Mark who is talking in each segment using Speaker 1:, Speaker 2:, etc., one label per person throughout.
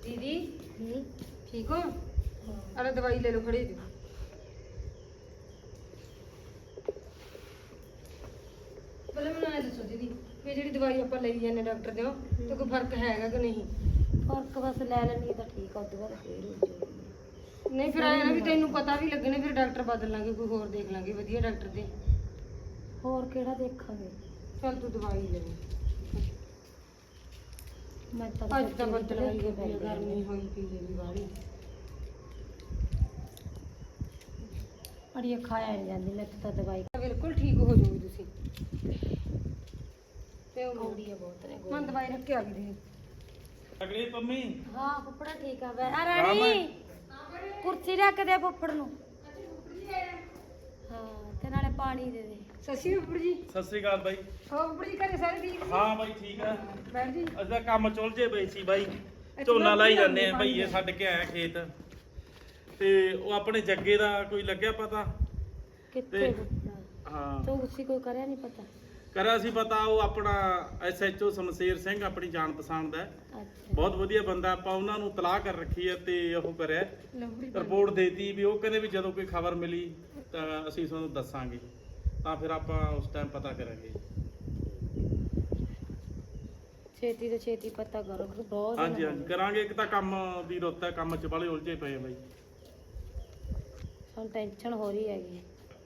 Speaker 1: दीदी ठीक हो? अरे दवाई ले लो खड़ी थी। बोले मैं ना दसो दीदी ये जी दवाई आप ले जाने डॉक्टर दो तो कोई फर्क हैगा कि नहीं?
Speaker 2: फर्क बस ले लेनी तो ठीक है, बाद फिर हो जाएगी।
Speaker 1: नहीं फिर आया ना भी तेनू पता भी लगने फिर डॉक्टर बदल लांगे कोई होर देख लांगे वधिया डॉक्टर दे।
Speaker 2: होर केड़ा देखांगे?
Speaker 1: चल तू दवाई ले ले।
Speaker 2: मैं तो
Speaker 1: ਅੱਜ ਤਾਂ ਬੱਦਲ ਹੋਈ ਪਈ ਆ, ਗਰਮੀ ਹੋਈ ਪਈ ਹੈ ਵੀ ਬਾਹਲੀ।
Speaker 2: ਅੜੀਏ ਖਾਇਆ ਨਹੀਂ ਜਾਂਦੀ ਮੈਂ ਤਾਂ ਦਵਾਈ
Speaker 1: ਬਿਲਕੁਲ ਠੀਕ ਹੋ ਜਾਓਗੇ ਤੁਸੀਂ ਤੇ ਉਹ
Speaker 2: ਆਉਂਦੀ ਹੈ ਬਹੁਤ ਨੇ
Speaker 1: ਮੈਂ ਦਵਾਈ ਰੱਖ ਕੇ ਆ ਗਈ ਸੀ।
Speaker 3: ਅਗਲੀ ਪੰਮੀ
Speaker 2: ਹਾਂ ਫੁੱਫੜਾ ਠੀਕ ਆ ਬੈ ਆ ਰਾਣੀ ਕੁਰਸੀ ਰੱਖ ਦੇ ਫੁੱਫੜ ਨੂੰ। ਹਾਂ ਤੇ ਨਾਲੇ ਪਾਣੀ ਦੇ ਦੇ।
Speaker 1: ਸਸੀ ਉੱਪਰ ਜੀ
Speaker 3: ਸਤਿ ਸ੍ਰੀ ਅਕਾਲ ਬਾਈ।
Speaker 1: ਹੋਰ ਉੱਪਰ ਜੀ ਘਰੇ ਸਾਰੇ ਠੀਕ?
Speaker 3: ਹਾਂ ਬਾਈ ਠੀਕ ਆ।
Speaker 1: ਬੈਠ ਜੀ।
Speaker 3: ਅਸੀਂ ਤਾਂ ਕੰਮ ਚੁਲਝੇ ਪਏ ਸੀ ਬਾਈ, ਝੋਨਾ ਲਾਈ ਜਾਂਦੇ ਆ ਭਈਏ ਛੱਡ ਕੇ ਆਇਆ ਖੇਤ ਤੇ ਉਹ ਆਪਣੇ ਜੱਗੇ ਦਾ ਕੋਈ ਲੱਗਿਆ ਪਤਾ?
Speaker 2: ਕਿੱਥੇ ਫੁੱਫੜਾ?
Speaker 3: ਹਾਂ
Speaker 2: ਤੂੰ ਉਸੇ ਕੋਈ ਕਰਿਆ ਨਹੀਂ ਪਤਾ?
Speaker 3: ਕਰਿਆ ਸੀ ਪਤਾ, ਉਹ ਆਪਣਾ ਐਸਐਚਓ ਸ਼ਮਸ਼ੇਰ ਸਿੰਘ ਆਪਣੀ ਜਾਣ ਪਛਾਣ ਦਾ ਹੈ।
Speaker 2: ਅੱਛਾ
Speaker 3: ਬਹੁਤ ਵਧੀਆ ਬੰਦਾ, ਆਪਾਂ ਉਹਨਾਂ ਨੂੰ ਤਲਾਹ ਕਰ ਰੱਖੀ ਹੈ ਤੇ ਉਹ ਕਰਿਆ
Speaker 1: ਲੰਬੜੀ
Speaker 3: ਰਿਪੋਰਟ ਦੇਤੀ ਵੀ ਉਹ ਕਹਿੰਦੇ ਵੀ ਜਦੋਂ ਕੋਈ ਖਬਰ ਮਿਲੀ ਤਾਂ ਅਸੀਂ ਤੁਹਾਨੂੰ ਦੱਸਾਂਗੇ, ਤਾਂ ਫਿਰ ਆਪਾਂ ਉਸ ਟਾਈਮ ਪਤਾ ਕਰਾਂਗੇ।
Speaker 2: ਛੇਤੀ ਤੋਂ ਛੇਤੀ ਪਤਾ ਕਰੋ ਬਹੁਤ
Speaker 3: ਹਾਂਜੀ ਹਾਂਜੀ ਕਰਾਂਗੇ। ਇੱਕ ਤਾਂ ਕੰਮ ਦੀ ਰੁੱਤ ਹੈ, ਕੰਮ 'ਚ ਬਾਲੇ ਉਲਝੇ ਪਏ ਆ ਬਾਈ।
Speaker 2: ਸਾਨੂੰ ਟੈਨਸ਼ਨ ਹੋ ਰਹੀ ਹੈਗੀ।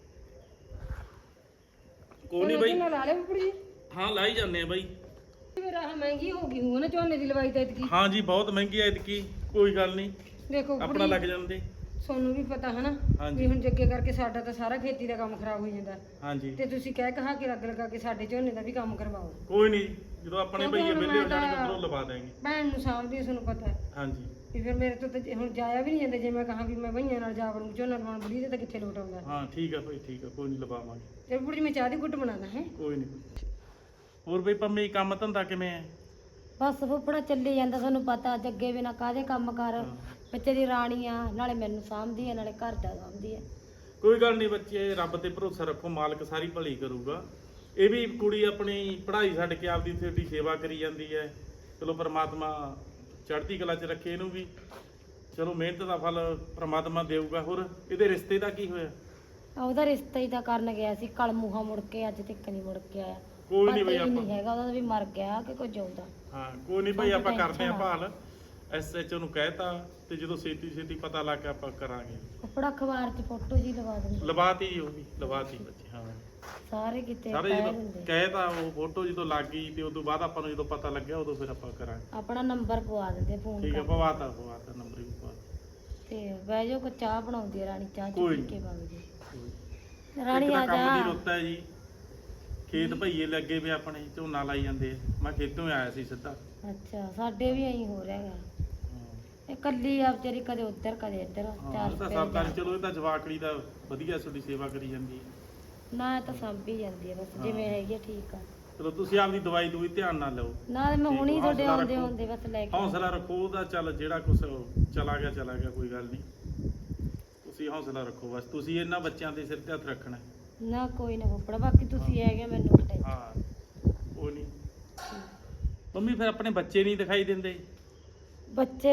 Speaker 3: ਕੋਈ ਨਹੀਂ ਬਾਈ,
Speaker 1: ਲਾ ਲੈ ਉੱਪਰ ਜੀ।
Speaker 3: ਹਾਂ ਲਾਈ ਜਾਂਦੇ ਆ ਬਾਈ।
Speaker 1: ਫਿਰ ਆਹ ਮਹਿੰਗੀ ਹੋ ਗਈ ਹੋਣਾ ਝੋਨੇ ਦੀ ਲਵਾਈ ਤਾਂ ਇਤਕੀ।
Speaker 3: ਹਾਂ ਜੀ ਬਹੁਤ ਮਹਿੰਗੀ ਐ ਇਤਕੀ, ਕੋਈ ਗੱਲ ਨਹੀਂ
Speaker 1: ਦੇਖੋ ਉੱਪਰ
Speaker 3: ਆਪਣਾ ਲੱਗ ਜਾਂਦੇ।
Speaker 1: ਤੁਹਾਨੂੰ ਵੀ ਪਤਾ ਹੈ ਨਾ
Speaker 3: ਹਾਂਜੀ।
Speaker 1: ਵੀ ਹੁਣ ਜੱਗੇ ਕਰਕੇ ਸਾਡਾ ਤਾਂ ਸਾਰਾ ਖੇਤੀ ਦਾ ਕੰਮ ਖਰਾਬ ਹੋ ਜਾਂਦਾ
Speaker 3: ਹਾਂਜੀ
Speaker 1: ਤੇ ਤੁਸੀਂ ਕਹਿ ਕਹਾ ਕੇ ਅੱਗ ਲਗਾ ਕੇ ਸਾਡੇ ਝੋਨੇ ਦਾ ਵੀ ਕੰਮ ਕਰਵਾਓ।
Speaker 3: ਕੋਈ ਨਹੀਂ, ਜਦੋਂ ਆਪਣੇ
Speaker 1: ਕਿਉਂਕਿ
Speaker 3: ਬਈਏ
Speaker 1: ਹੁਣ
Speaker 3: ਵਿਹਲੇ ਹੋ
Speaker 1: ਮੈਂ
Speaker 3: ਜਾਣਗੇ
Speaker 1: ਤਾਂ-
Speaker 3: ਉਧਰੋਂ ਲਵਾ ਦੇਾਂਗੇ।
Speaker 1: ਭੈਣ ਨੂੰ ਸਾਂਭਦੀ ਤੁਹਾਨੂੰ ਪਤਾ ਹੈ
Speaker 3: ਹਾਂਜੀ
Speaker 1: ਵੀ ਫਿਰ ਮੇਰੇ ਤੋਂ ਤਾਂ ਹੁਣ ਜਾਇਆ ਵੀ ਨਹੀਂ ਜਾਂਦਾ। ਜੇ ਮੈਂ ਕਹਾਂ ਵੀ ਮੈਂ ਭਈਆਂ ਨਾਲ ਜਾ ਵੜੂੰ ਝੋਨਾ ਲਵਾਉਣ ਬੁੜੀ ਦੇ ਤਾਂ ਕਿੱਥੇ ਲੋਟ ਆਉਂਦਾ।
Speaker 3: ਹਾਂ ਠੀਕ ਆ ਭਾਈ ਠੀਕ ਆ, ਕੋਈ ਨਹੀਂ ਲਵਾਵਾਂਗੇ।
Speaker 1: ਤੇ ਬੁੜੀ ਮੈਂ ਚਾਹ ਦੀ ਘੁੱਟ ਬਣਾਦਾ ਹੈ।
Speaker 3: ਕੋਈ ਨਹੀਂ। ਹੋਰ ਬਈ ਪੰਮੀ ਕੰਮ ਧੰਦਾ ਕਿਵੇਂ ਹੈ?
Speaker 2: ਬਸ ਫੁੱਫੜਾ ਚੱਲੀ ਜਾਂਦਾ, ਤੁਹਾਨੂੰ ਪਤਾ ਜੱਗੇ ਬਿਨਾ ਕਾਹਦੇ ਕੰਮ ਕਰ। ਬੱਚੇ ਦੀ ਰਾਣੀ ਆ, ਨਾਲੇ ਮੈਨੂੰ ਸਾਂਭਦੀ ਆ ਨਾਲੇ ਘਰ ਦਾ ਸਾਂਭਦੀ ਆ।
Speaker 3: ਕੋਈ ਗੱਲ ਨਹੀਂ ਬੱਚੇ, ਰੱਬ ਤੇ ਭਰੋਸਾ ਰੱਖੋ, ਮਾਲਕ ਸਾਰੀ ਭਲੀ ਕਰੂਗਾ। ਇਹ ਵੀ ਕੁੜੀ ਆਪਣੀ ਪੜ੍ਹਾਈ ਛੱਡ ਕੇ ਆਪਦੀ ਤੁਹਾਡੀ ਸੇਵਾ ਕਰੀ ਜਾਂਦੀ ਹੈ। ਚਲੋ ਪ੍ਰਮਾਤਮਾ ਚੜ੍ਹਦੀ ਕਲਾ 'ਚ ਰੱਖੇ ਇਹਨੂੰ ਵੀ। ਚਲੋ ਮਿਹਨਤ ਦਾ ਫਲ ਪ੍ਰਮਾਤਮਾ ਦੇਊਗਾ। ਹੋਰ ਇਹਦੇ ਰਿਸ਼ਤੇ ਦਾ ਕੀ ਹੋਇਆ?
Speaker 2: ਉਹਦਾ ਰਿਸ਼ਤਾ ਹੀ ਤਾਂ ਕਰਨ ਗਿਆ ਸੀ, ਕਲਮੂਹਾ ਮੁੜ ਕੇ ਅੱਜ ਤੱਕ ਨਹੀਂ ਮੁੜ ਕੇ ਆਇਆ।
Speaker 3: ਕੋਈ ਨਹੀਂ
Speaker 2: ਪਤਾ
Speaker 3: ਬਈ
Speaker 2: ਹੀ
Speaker 3: ਆਪਾਂ
Speaker 2: ਨਹੀਂ ਹੈਗਾ ਉਹਦਾ ਵੀ ਮਰ ਗਿਆ ਕਿ ਕੁਝ ਆਉਂਦਾ।
Speaker 3: ਹਾਂ ਕੋਈ ਨਹੀਂ ਭਾਈ, ਆਪਾਂ ਕਰਦੇ ਆਂ
Speaker 2: ਟੈਨਸ਼ਨ
Speaker 3: ਭਾਲ। ਐਸਐਚਓ ਨੂੰ ਕਹਿਤਾ ਤੇ ਜਦੋਂ ਛੇਤੀ ਆਪਾਂ ਲਾ ਕੇ ਆਪਾਂ ਕਰਾਂਗੇ।
Speaker 2: ਫੁੱਫੜਾ ਅਖਬਾਰ 'ਚ ਫੋਟੋ ਜੀ ਲਵਾ ਦਿੰਦੇ
Speaker 3: ਲਵਾਤੀ ਉਹ ਵੀ ਲਵਾਤੀ ਬੱਚੇ। ਹਾਂ
Speaker 2: ਸਾਰੇ ਕਿਤੇ
Speaker 3: ਸਾਰੇ
Speaker 2: ਕਹਿ
Speaker 3: ਜਦੋਂ
Speaker 2: ਦਿੰਦੇ।
Speaker 3: ਕਹਿਤਾ ਉਹ ਫੋਟੋ ਜਦੋਂ ਲੱਗ ਗਈ ਤੇ ਉਦੋਂ ਬਾਅਦ ਆਪਾਂ ਨੂੰ ਜਦੋਂ ਪਤਾ ਲੱਗਿਆ ਉਦੋਂ ਫਿਰ ਆਪਾਂ ਕਰਾਂਗੇ।
Speaker 2: ਆਪਣਾ ਨੰਬਰ ਪਵਾ ਦਿੰਦੇ ਫੋਨ
Speaker 3: ਠੀਕ ਹੈ,
Speaker 2: ਕਰ
Speaker 3: ਪਵਾਤਾ ਨੰਬਰ ਵੀ ਪਵਾ
Speaker 2: ਤੇ ਬਹਿ ਜਾਓ, ਕੋ ਚਾਹ ਬਣਾਉਂਦੀ ਆ ਰਾਣੀ, ਚਾਹ
Speaker 3: ਕੋਈ
Speaker 2: ਚੁੱਕ
Speaker 3: ਨੀ।
Speaker 2: ਕੇ ਵਗ ਜੀ।
Speaker 3: ਦਿੱਤਾ।
Speaker 2: ਰਾਣੀ
Speaker 3: ਇੱਕ ਤਾਂ
Speaker 2: ਆ
Speaker 3: ਕੰਮ ਦੀ
Speaker 2: ਜਾ।
Speaker 3: ਰੁੱਤ ਹੈ ਜੀ, ਖੇਤ ਭਈਏ ਲੱਗੇ ਵੇ ਆਪਣੇ ਝੋਨਾ ਲਾਈ ਜਾਂਦੇ ਆ। ਮੈਂ ਖੇਤੋਂ ਆਇਆ ਸੀ ਸਿੱਧਾ।
Speaker 2: ਅੱਛਾ ਸਾਡੇ ਵੀ ਐਂ ਹੋ ਰਿਹਾ ਹੈਗਾ।
Speaker 3: ਹਾਂ
Speaker 2: ਇਹ ਕੱਲੀ ਆ ਵਿਚਾਰੀ, ਕਦੇ ਉੱਧਰ ਕਦੇ ਇੱਧਰ।
Speaker 3: ਇਹ
Speaker 2: ਚਾਰ
Speaker 3: ਤਾਂ ਸਰਦਾਰ, ਚਲੋ ਇਹ ਤਾਂ ਜਵਾਕੜੀ ਦਾ ਵਧੀਆ ਤੁਹਾਡੀ ਸੇਵਾ ਕਰੀ ਜਾਂਦੀ ਹੈ।
Speaker 2: ਨਾ ਇਹ ਤਾਂ ਸਾਂਭੀ ਜਾਂਦੀ ਹੈ ਬਸ ਜਿਵੇਂ ਹੈਗੀ ਆ, ਠੀਕ ਆ।
Speaker 3: ਚਲੋ ਤੁਸੀਂ ਆਪਦੀ ਦਵਾਈ ਦੂਈ ਧਿਆਨ ਨਾਲ ਲਓ।
Speaker 2: ਨਾ ਮੈਂ
Speaker 3: ਠੀਕ,
Speaker 2: ਹੁਣੀ ਤੁਹਾਡੇ
Speaker 3: ਹੌਸਲਾ
Speaker 2: ਆਉਂਦੇ
Speaker 3: ਰੱਖੋ।
Speaker 2: ਆਉਂਦੇ ਬਸ ਲੈ ਕੇ
Speaker 3: ਹੌਸਲਾ ਰੱਖੋ ਉਹਦਾ, ਚੱਲ ਜਿਹੜਾ ਕੁਛ ਚਲਾ ਗਿਆ ਕੋਈ ਗੱਲ ਨਹੀਂ। ਤੁਸੀਂ ਹੌਸਲਾ ਰੱਖੋ ਬਸ, ਤੁਸੀਂ ਇਹਨਾਂ ਬੱਚਿਆਂ ਦੇ ਸਿਰ ਤੇ ਹੱਥ ਰੱਖਣਾ ਹੈ।
Speaker 2: ਨਾ ਕੋਈ ਨਾ ਫੁੱਫੜਾ, ਬਾਕੀ ਤੁਸੀਂ ਹੈਗੇ ਮੈਨੂੰ ਟੈਨਸ਼ਨ।
Speaker 3: ਹਾਂ ਉਹ ਨਹੀਂ। ਮੰਮੀ ਫਿਰ ਆਪਣੇ ਬੱਚੇ ਨਹੀਂ ਦਿਖਾਈ ਦਿੰਦੇ?
Speaker 2: ਬੱਚੇ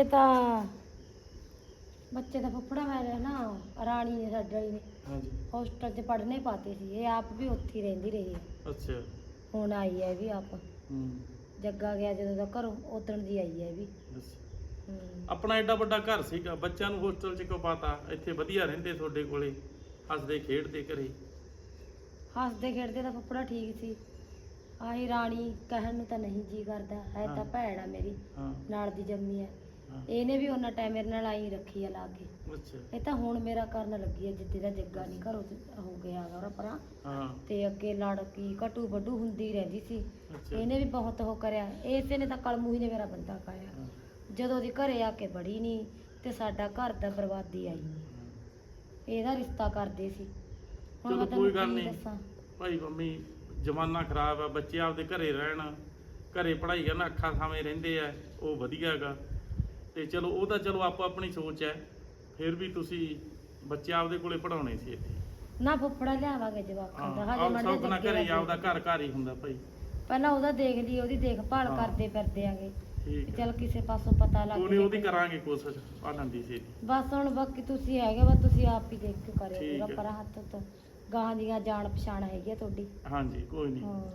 Speaker 2: ਤਾਂ ਫੁੱਫੜਾ ਮੈਂ ਨਾ ਰਾਣੀ ਨੇ ਸਾਡੇ ਵਾਲੀ ਨੇ
Speaker 3: ਹਾਂਜੀ
Speaker 2: ਹੋਸਟਲ 'ਚ ਪੜ੍ਹਨੇ ਪਾਤੇ ਸੀ। ਇਹ ਆਪ ਵੀ ਉੱਥੇ ਹੀ ਰਹਿੰਦੀ ਰਹੀ ਹੈ।
Speaker 3: ਅੱਛਾ।
Speaker 2: ਹੁਣ ਆਈ ਹੈ ਇਹ ਵੀ ਆਪ।
Speaker 3: ਹੂੰ
Speaker 2: ਜੱਗਾ ਗਿਆ ਜਦੋਂ ਦਾ ਘਰੋਂ, ਉਦਣ ਦੀ ਆਈ ਹੈ ਇਹ ਵੀ।
Speaker 3: ਅੱਛਾ।
Speaker 2: ਹੂੰ।
Speaker 3: ਆਪਣਾ ਐਡਾ ਵੱਡਾ ਘਰ ਸੀਗਾ, ਬੱਚਿਆਂ ਨੂੰ ਹੋਸਟਲ 'ਚ ਕਿਉਂ ਪਾਤਾ? ਇੱਥੇ ਵਧੀਆ ਰਹਿੰਦੇ ਤੁਹਾਡੇ ਕੋਲੇ, ਹੱਸਦੇ ਖੇਡਦੇ ਘਰੇ।
Speaker 2: ਹੱਸਦੇ ਖੇਡਦੇ ਤਾਂ ਫੁੱਫੜਾ ਠੀਕ ਸੀ। ਆਹੀ ਰਾਣੀ ਕਹਿਣ ਨੂੰ ਤਾਂ ਨਹੀਂ ਜੀ ਕਰਦਾ ਹੈ, ਤਾਂ
Speaker 3: ਹਾਂ।
Speaker 2: ਭੈਣ ਆ ਮੇਰੀ
Speaker 3: ਹਾਂ
Speaker 2: ਨਾਲ ਦੀ ਜੰਮੀ ਹੈ।
Speaker 3: ਹਾਂ
Speaker 2: ਇਹਨੇ ਵੀ ਉਹਨਾਂ ਟਾਈਮ ਮੇਰੇ ਨਾਲ ਆਈ ਰੱਖੀ ਆ ਲਾ ਕੇ।
Speaker 3: ਅੱਛਾ।
Speaker 2: ਇਹ ਤਾਂ ਹੁਣ ਮੇਰਾ ਕਰਨ ਲੱਗੀ ਹੈ, ਜਿੱਦੇ ਦਾ ਜੱਗਾ ਨਹੀਂ ਘਰੋਂ ਹੋ ਗਿਆ ਉਹਦਾ ਪਰਾਂ।
Speaker 3: ਹਾਂ
Speaker 2: ਤੇ ਅੱਗੇ ਲੜਕੀ ਘਟੂ ਵੱਡੂ ਹੁੰਦੀ ਰਹਿੰਦੀ ਸੀ।
Speaker 3: ਅੱਛਾ।
Speaker 2: ਇਹਨੇ ਵੀ ਬਹੁਤ ਉਹ ਕਰਿਆ। ਇਸੇ ਨੇ ਤਾਂ ਕਲਮੂ ਹੀ ਨੇ ਮੇਰਾ ਬੰਦਾ ਖਾਇਆ।
Speaker 3: ਹਾਂ।
Speaker 2: ਜਦੋਂ ਦੀ ਘਰੇ ਆ ਕੇ ਬੜੀ ਨਹੀਂ ਤੇ ਸਾਡਾ ਘਰ ਦਾ ਬਰਬਾਦੀ ਆਈ ਨਹੀਂ। ਇਹਦਾ ਰਿਸ਼ਤਾ ਕਰਦੇ ਸੀ। ਹੁਣ
Speaker 3: ਚਲੋ
Speaker 2: ਮੈਂ
Speaker 3: ਕੋਈ
Speaker 2: ਤੈਨੂੰ
Speaker 3: ਗੱਲ
Speaker 2: ਕੀ
Speaker 3: ਨਹੀਂ
Speaker 2: ਦੱਸਾਂ।
Speaker 3: ਭਾਈ ਮੰਮੀ, ਜ਼ਮਾਨਾ ਖਰਾਬ ਆ, ਬੱਚੇ ਆਪਦੇ ਘਰੇ ਰਹਿਣ, ਘਰੇ ਪੜ੍ਹਾਈ ਕਰਨ, ਅੱਖਾਂ ਸਾਵੇਂ ਰਹਿੰਦੇ ਆ, ਉਹ ਵਧੀਆ ਹੈਗਾ। ਤੇ ਚਲੋ ਉਹ ਤਾਂ ਚਲੋ ਆਪੋ ਆਪਣੀ ਸੋਚ ਹੈ। ਫਿਰ ਵੀ ਤੁਸੀਂ ਬੱਚੇ ਆਪਦੇ ਕੋਲੇ ਪੜਾਉਣੇ ਸੀ ਇੱਥੇ।
Speaker 2: ਨਾ ਫੁੱਫੜਾ ਲਿਆਵਾਂਗੇ ਜਵਾਕਾਂ ਦਾ,
Speaker 3: ਹਾਂ
Speaker 2: ਹਜੇ
Speaker 3: ਆਪ
Speaker 2: ਮੜ
Speaker 3: ਸੌਖ ਨਾ ਘਰੇ ਆਪਦਾ ਘਰ ਹੀ ਹੁੰਦਾ ਭਾਈ।
Speaker 2: ਪਹਿਲਾਂ ਉਹਦਾ ਦੇਖ ਲਈ, ਉਹਦੀ ਦੇਖਭਾਲ
Speaker 3: ਹਾਂ।
Speaker 2: ਕਰਦੇ ਫਿਰਦੇ ਆਂਗੇ।
Speaker 3: ਠੀਕ ਹੈ
Speaker 2: ਚੱਲ ਕਿਸੇ ਪਾਸੋਂ ਪਤਾ ਲੱਗ
Speaker 3: ਕੋਈ ਨਹੀਂ ਉਹਦੀ ਕਰਾਂਗੇ ਕੋਸ਼ਿਸ਼ ਭਾਲਣ ਦੀ ਸੀ।
Speaker 2: ਬਸ ਹੁਣ ਬਾਕੀ ਤੁਸੀਂ ਹੈਗੇ ਬਸ ਤੁਸੀਂ ਆਪ ਹੀ ਦੇਖ ਕੇ ਕਰਿਓ
Speaker 3: ਠੀਕ
Speaker 2: ਪੂਰਾ
Speaker 3: ਹੈ।
Speaker 2: ਪਰ ਹੱਥ ਤੋਂ ਗਾਂ ਦੀਆਂ ਜਾਣ ਪਛਾਣ ਹੈਗੀ ਆ ਤੁਹਾਡੀ।
Speaker 3: ਹਾਂਜੀ ਕੋਈ ਨਹੀਂ।
Speaker 2: ਹਾਂ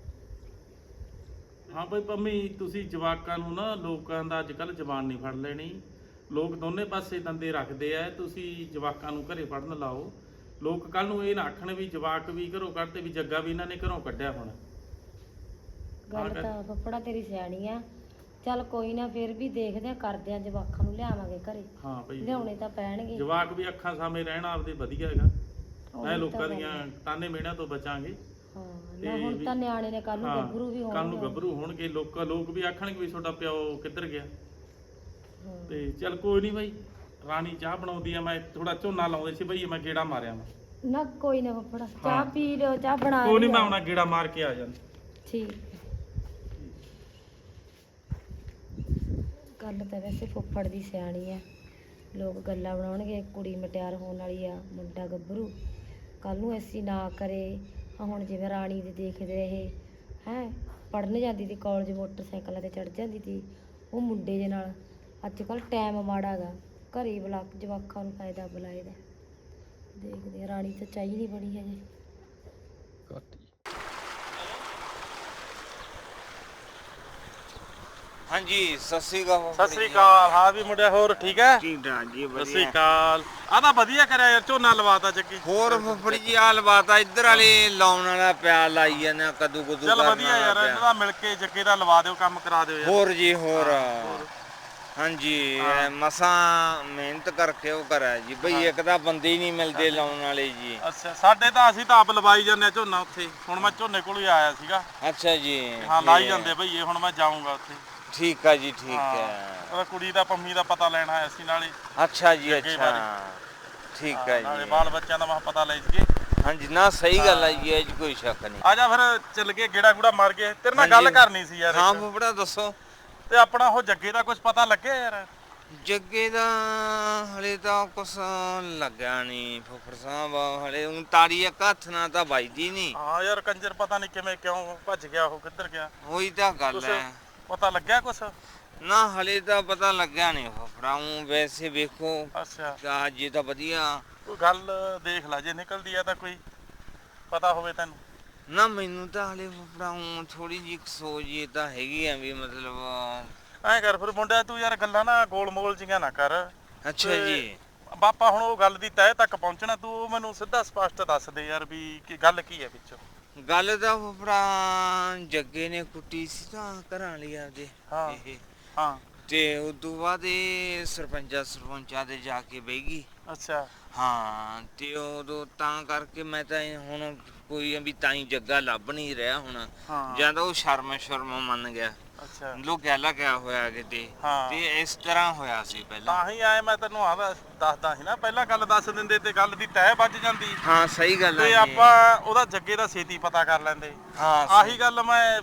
Speaker 3: ਹਾਂ ਭਾਈ ਪੰਮੀ ਤੁਸੀਂ ਜਵਾਕਾਂ ਨੂੰ ਨਾ ਲੋਕਾਂ ਦਾ ਅੱਜ ਕੱਲ ਜ਼ਬਾਨ ਨਹੀਂ ਫੜ ਲੈਣੀ। ਲੋਕ ਦੋਨੇ ਪਾਸੇ ਦੰਦੇ ਰੱਖਦੇ ਆ। ਤੁਸੀਂ ਜਵਾਕਾਂ ਨੂੰ ਘਰੇ ਪੜਨ ਲਾਓ। ਲੋਕ ਕੱਲ ਨੂੰ ਇਹ ਨਾ ਆਖਣ ਵੀ ਜਵਾਕ ਵੀ ਘਰੋਂ ਕੱਢਦੇ ਵੀ ਜੱਗਾ ਵੀ ਇਹਨਾਂ ਨੇ ਘਰੋਂ ਕੱਢਿਆ ਹੁਣ।
Speaker 2: ਗੱਲ ਤਾਂ ਫੱਫੜਾ ਤੇਰੀ ਸਿਆਣੀ ਆ। ਚੱਲ ਕੋਈ ਨਾ ਫਿਰ ਵੀ ਦੇਖਦੇ ਆ ਕਰਦੇ ਆ ਜਵਾਕਾਂ ਨੂੰ ਲਿਆਵਾਂਗੇ ਘਰੇ।
Speaker 3: ਹਾਂ ਭਾਈ
Speaker 2: ਲਿਆਉਣੇ ਤਾਂ ਪੈਣਗੇ।
Speaker 3: ਜਵਾਕ ਵੀ ਅੱਖਾਂ ਸਾਹਮਣੇ ਰਹਿਣ ਆਪਦੇ ਵਧੀਆ ਹੈਗਾ। ਮੈਂ ਲੋਕਾਂ ਦੀਆਂ ਤਾਨੇ ਮਿਹਣਿਆਂ ਤੋਂ ਬਚਾਂਗੇ।
Speaker 2: ਹਾਂ ਨਾ ਹੁਣ ਤਾਂ ਨਿਆਣੇ ਨੇ ਕੱਲ ਨੂੰ ਗੱਭਰੂ ਵੀ
Speaker 3: ਕੱਲ ਨੂੰ
Speaker 2: ਹੋਣਗੇ।
Speaker 3: ਗੱਭਰੂ ਹੋਣਗੇ ਲੋਕ ਵੀ ਆਖਣਗੇ ਵੀ ਤੁਹਾਡਾ ਪਿਓ ਕਿੱਧਰ ਗਿਆ।
Speaker 2: ਹਾਂ।
Speaker 3: ਤੇ ਚੱਲ ਕੋਈ ਨਹੀਂ ਬਾਈ ਰਾਣੀ ਚਾਹ ਬਣਾਉਂਦੀ ਆ। ਮੈਂ ਥੋੜਾ ਝੋਨਾ ਲਾਉਂਦੇ ਸੀ ਬਈ ਮੈਂ ਗੇੜਾ ਮਾਰਿਆ ਮੈਂ।
Speaker 2: ਨਾ ਕੋਈ ਨਾ ਫੱਫੜਾ ਚਾਹ ਪੀ ਲਿਓ ਚਾਹ ਬਣਾ
Speaker 3: ਕੋਈ ਨਹੀਂ
Speaker 2: ਲਿਓ।
Speaker 3: ਮੈਂ ਆਉਣਾ ਗੇੜਾ ਮਾਰ ਕੇ ਆ ਜਾਂਦਾ।
Speaker 2: ਠੀਕ ਗੱਲ ਤਾਂ ਵੈਸੇ ਫੁੱਫੜ ਦੀ ਸਿਆਣੀ ਆ। ਲੋਕ ਗੱਲਾਂ ਬਣਾਉਣਗੇ ਕੁੜੀ ਮਟਿਆਰ ਹੋਣ ਵਾਲੀ ਆ ਮੁੰਡਾ ਗੱਭਰੂ ਕੱਲ ਨੂੰ ਐਸੀ ਨਾ ਕਰੇ। ਹੁਣ ਜਿਵੇਂ ਰਾਣੀ ਦੇ ਦੇਖਦੇ ਰਹੇ ਹੈ ਪੜ੍ਹਨ ਜਾਂਦੀ ਸੀ ਕਾਲਜ ਮੋਟਰਸਾਈਕਲਾਂ ਤੇ ਚੜ ਜਾਂਦੀ ਸੀ ਉਹ ਮੁੰਡੇ ਦੇ ਨਾਲ। ਅੱਜ ਕੱਲ੍ਹ ਟਾਈਮ ਮਾੜਾ ਗਾ ਘਰੇ ਬੁਲਾ ਜਵਾਕਾਂ ਨੂੰ ਫਾਇਦਾ ਬੁਲਾਏ ਦਾ। ਦੇਖਦੇ ਆ ਰਾਣੀ ਤਾਂ ਚਾਹੀ ਨਹੀਂ ਬਣੀ ਹਜੇ।
Speaker 4: ਹਾਂਜੀ ਸਤਿ ਸ੍ਰੀ ਅਕਾਲ।
Speaker 3: ਸਤਿ ਸ੍ਰੀ ਅਕਾਲ। ਹਾਂ ਵੀ ਮੁੰਡਿਆ ਹੋਰ ਠੀਕ ਹੈ?
Speaker 4: ਠੀਕ ਠਾਕ ਜੀ
Speaker 3: ਸਤਿ ਸ੍ਰੀ
Speaker 4: ਵਧੀਆ।
Speaker 3: ਅਕਾਲ। ਆ ਤਾਂ ਵਧੀਆ ਕਰਿਆ ਯਾਰ ਝੋਨਾ ਲਵਾਤਾ ਚੱਕੀ।
Speaker 4: ਹੋਰ ਫੁੱਫੜੀ ਜੀ ਆ ਲਵਾਤਾ ਇੱਧਰ ਵਾਲੇ ਲਾਉਣ ਵਾਲਾ ਪਿਆ ਲਾਈ ਜਾਂਦੇ ਆ ਕੱਦੂ ਕੁੱਦੂ
Speaker 3: ਚੱਲ
Speaker 4: ਕਰਨ
Speaker 3: ਵਧੀਆ ਯਾਰ
Speaker 4: ਵਾਲਾ
Speaker 3: ਇਹਨਾਂ
Speaker 4: ਪਿਆ।
Speaker 3: ਦਾ ਮਿਲ ਕੇ ਜੱਗੇ ਦਾ ਲਵਾ ਦਿਓ ਕੰਮ ਕਰਾ ਦਿਓ ਯਾਰ।
Speaker 4: ਹੋਰ ਜੀ ਹੋਰ ਹਾਂਜੀ ਮਸਾਂ ਮਿਹਨਤ ਕਰਕੇ ਉਹ ਕਰਿਆ ਜੀ ਬਈ ਇੱਕ ਤਾਂ ਬੰਦੇ ਹੀ ਨਹੀਂ ਮਿਲਦੇ ਲਾਉਣ ਵਾਲੇ ਜੀ।
Speaker 3: ਅੱਛਾ ਸਾਡੇ ਤਾਂ ਅਸੀਂ ਤਾਂ ਆਪ ਲਵਾਈ ਜਾਂਦੇ ਆ ਝੋਨਾ ਉੱਥੇ। ਹੁਣ ਮੈਂ ਝੋਨੇ ਕੋਲ ਹੀ ਆਇਆ ਸੀਗਾ।
Speaker 4: ਅੱਛਾ ਜੀ
Speaker 3: ਹਾਂ ਲਾਈ ਜਾਂਦੇ ਭਈਏ। ਹੁਣ ਮੈਂ ਜਾਊਂਗਾ ਉੱਥੇ।
Speaker 4: ਠੀਕ ਆ ਜੀ ਠੀਕ
Speaker 3: ਹਾਂ।
Speaker 4: ਹੈ।
Speaker 3: ਉਹਦਾ ਕੁੜੀ ਦਾ ਪੰਮੀ ਦਾ ਪਤਾ ਲੈਣਾ ਆਇਆ ਸੀ ਨਾਲੇ।
Speaker 4: ਅੱਛਾ ਜੀ
Speaker 3: ਅੱਗੇ
Speaker 4: ਅੱਛਾ
Speaker 3: ਬਾਰੇ।
Speaker 4: ਠੀਕ
Speaker 3: ਹਾਂ,
Speaker 4: ਹੈ
Speaker 3: ਨਾਲੇ
Speaker 4: ਜੀ
Speaker 3: ਬਾਲ ਬੱਚਿਆਂ ਦਾ ਮੈਂ ਪਤਾ ਲੈ ਜੀਏ।
Speaker 4: ਹਾਂਜੀ ਨਾ ਸਹੀ ਗੱਲ ਹੈ ਜੀ ਇਹ 'ਚ ਕੋਈ ਸ਼ੱਕ ਨਹੀਂ।
Speaker 3: ਆ ਜਾ ਫਿਰ ਚੱਲ ਗਏ ਗੇੜਾ ਗੂੜਾ ਮਾਰ ਗਏ। ਤੇਰੇ ਨਾਲ ਗੱਲ
Speaker 4: ਹਾਂਜੀ।
Speaker 3: ਕਰਨੀ ਸੀ ਯਾਰ
Speaker 4: ਹਾਂ
Speaker 3: ਇੱਕ।
Speaker 4: ਫੁੱਫੜਾ ਦੱਸੋ।
Speaker 3: ਤੇ ਆਪਣਾ ਉਹ ਜੱਗੇ ਦਾ ਕੁਝ ਪਤਾ ਲੱਗਿਆ ਯਾਰ?
Speaker 4: ਜੱਗੇ ਦਾ ਹਲੇ ਤਾਂ ਕੁਛ ਲੱਗਿਆ ਨਹੀਂ ਫੁੱਫੜ ਸਾਹਿਬ ਹਲੇ ਹੁਣ ਤਾੜੀ ਇੱਕ ਹੱਥ ਨਾਲ ਤਾਂ ਵੱਜਦੀ ਨਹੀਂ।
Speaker 3: ਹਾਂ ਯਾਰ ਕੰਜਰ ਪਤਾ ਨਹੀਂ ਕਿਵੇਂ ਕਿਉਂ ਭੱਜ ਗਿਆ ਉਹ ਕਿੱਧਰ ਗਿਆ।
Speaker 4: ਉਹੀ ਤਾਂ ਗੱਲ
Speaker 3: ਕੁਛ
Speaker 4: ਹੈ
Speaker 3: ਪਤਾ ਲੱਗਿਆ ਕੁਛ?
Speaker 4: ਨਾ ਹਲੇ ਤਾਂ ਪਤਾ ਲੱਗਿਆ ਨਹੀਂ ਫੁੱਫੜਾ ਊਂ ਵੈਸੇ ਵੇਖੋ
Speaker 3: ਅੱਛਾ
Speaker 4: ਅੱਜ ਤਾਂ ਵਧੀਆ
Speaker 3: ਕੋਈ ਗੱਲ ਦੇਖ ਲੈ ਜੇ ਨਿਕਲਦੀ ਆ ਤਾਂ ਕੋਈ ਪਤਾ ਹੋਵੇ ਤੈਨੂੰ।
Speaker 4: ਨਾ ਮੈਨੂੰ ਤਾਂ ਹਲੇ ਫੁੱਫੜਾ ਊਂ ਥੋੜੀ ਜਿਹੀ ਸੋਚ ਇਹ ਤਾਂ ਹੈਗੀ ਆ ਵੀ ਮਤਲਬ
Speaker 3: ਐਂ ਕਰ ਫਿਰ ਮੁੰਡਿਆ ਤੂੰ ਯਾਰ ਗੱਲਾਂ ਨਾ ਗੋਲ ਮੋਲ ਜੀਆਂ ਨਾ ਕਰ।
Speaker 4: ਅੱਛਾ
Speaker 3: ਤੇ
Speaker 4: ਜੀ
Speaker 3: ਬਾਪਾ ਹੁਣ ਉਹ ਗੱਲ ਦੀ ਤਹਿ ਤੱਕ ਪਹੁੰਚਣਾ। ਤੂੰ ਉਹ ਮੈਨੂੰ ਸਿੱਧਾ ਸਪਸ਼ਟ ਦੱਸ ਦੇ ਯਾਰ ਵੀ ਕੀ ਗੱਲ ਕੀ ਹੈ ਵਿੱਚੋਂ।
Speaker 4: ਗੱਲ ਤਾਂ ਫੁੱਫੜਾ ਜੱਗੇ ਨੇ ਕੁੱਟੀ ਸੀ ਤਾਂ ਘਰਾਂ ਲਈ ਆਪਦੇ
Speaker 3: ਹਾਂ।
Speaker 4: ਇਹ
Speaker 3: ਹਾਂ
Speaker 4: ਤੇ ਉਦੋਂ ਬਾਅਦ ਇਹ ਸਰਪੰਚਾਂ ਦੇ ਜਾ ਕੇ ਬਹਿ ਗਈ।
Speaker 3: ਅੱਛਾ
Speaker 4: ਹਾਂ ਤੇ ਉਦੋਂ ਤਾਂ ਕਰਕੇ ਮੈਂ ਤਾਂ ਹੁਣ ਕੋਈ ਵੀ ਤਾਂ ਹੀ ਜੱਗਾ ਲੱਭ ਨਹੀਂ ਰਿਹਾ ਹੁਣ।
Speaker 3: ਹਾਂ।
Speaker 4: ਜਾਂ ਤਾਂ ਉਹ ਸ਼ਰਮ ਮੰਨ ਗਿਆ
Speaker 3: ਅੱਛਾ
Speaker 4: ਲੋਕ ਕਿਆ ਹੋਇਆ ਕਿਤੇ
Speaker 3: ਹਾਂ।
Speaker 4: ਤੇ ਇਸ ਤਰ੍ਹਾਂ ਹੋਇਆ ਸੀ ਪਹਿਲਾਂ।
Speaker 3: ਤਾਂ ਹੀ ਆਏ ਮੈਂ ਤੈਨੂੰ ਦੱਸਦਾ ਸੀ ਨਾ ਪਹਿਲਾਂ ਗੱਲ ਦੱਸ ਦਿੰਦੇ ਤੇ ਗੱਲ ਦੀ ਤਹਿ ਵੱਜ ਜਾਂਦੀ।
Speaker 4: ਹਾਂ ਸਹੀ ਗੱਲ ਹੈ
Speaker 3: ਤੇ
Speaker 4: ਜੀ।
Speaker 3: ਆਪਾਂ ਉਹਦਾ ਜੱਗੇ ਦਾ ਛੇਤੀ ਪਤਾ ਕਰ ਲੈਂਦੇ।
Speaker 4: ਹਾਂ
Speaker 3: ਆਹੀ ਗੱਲ ਮੈਂ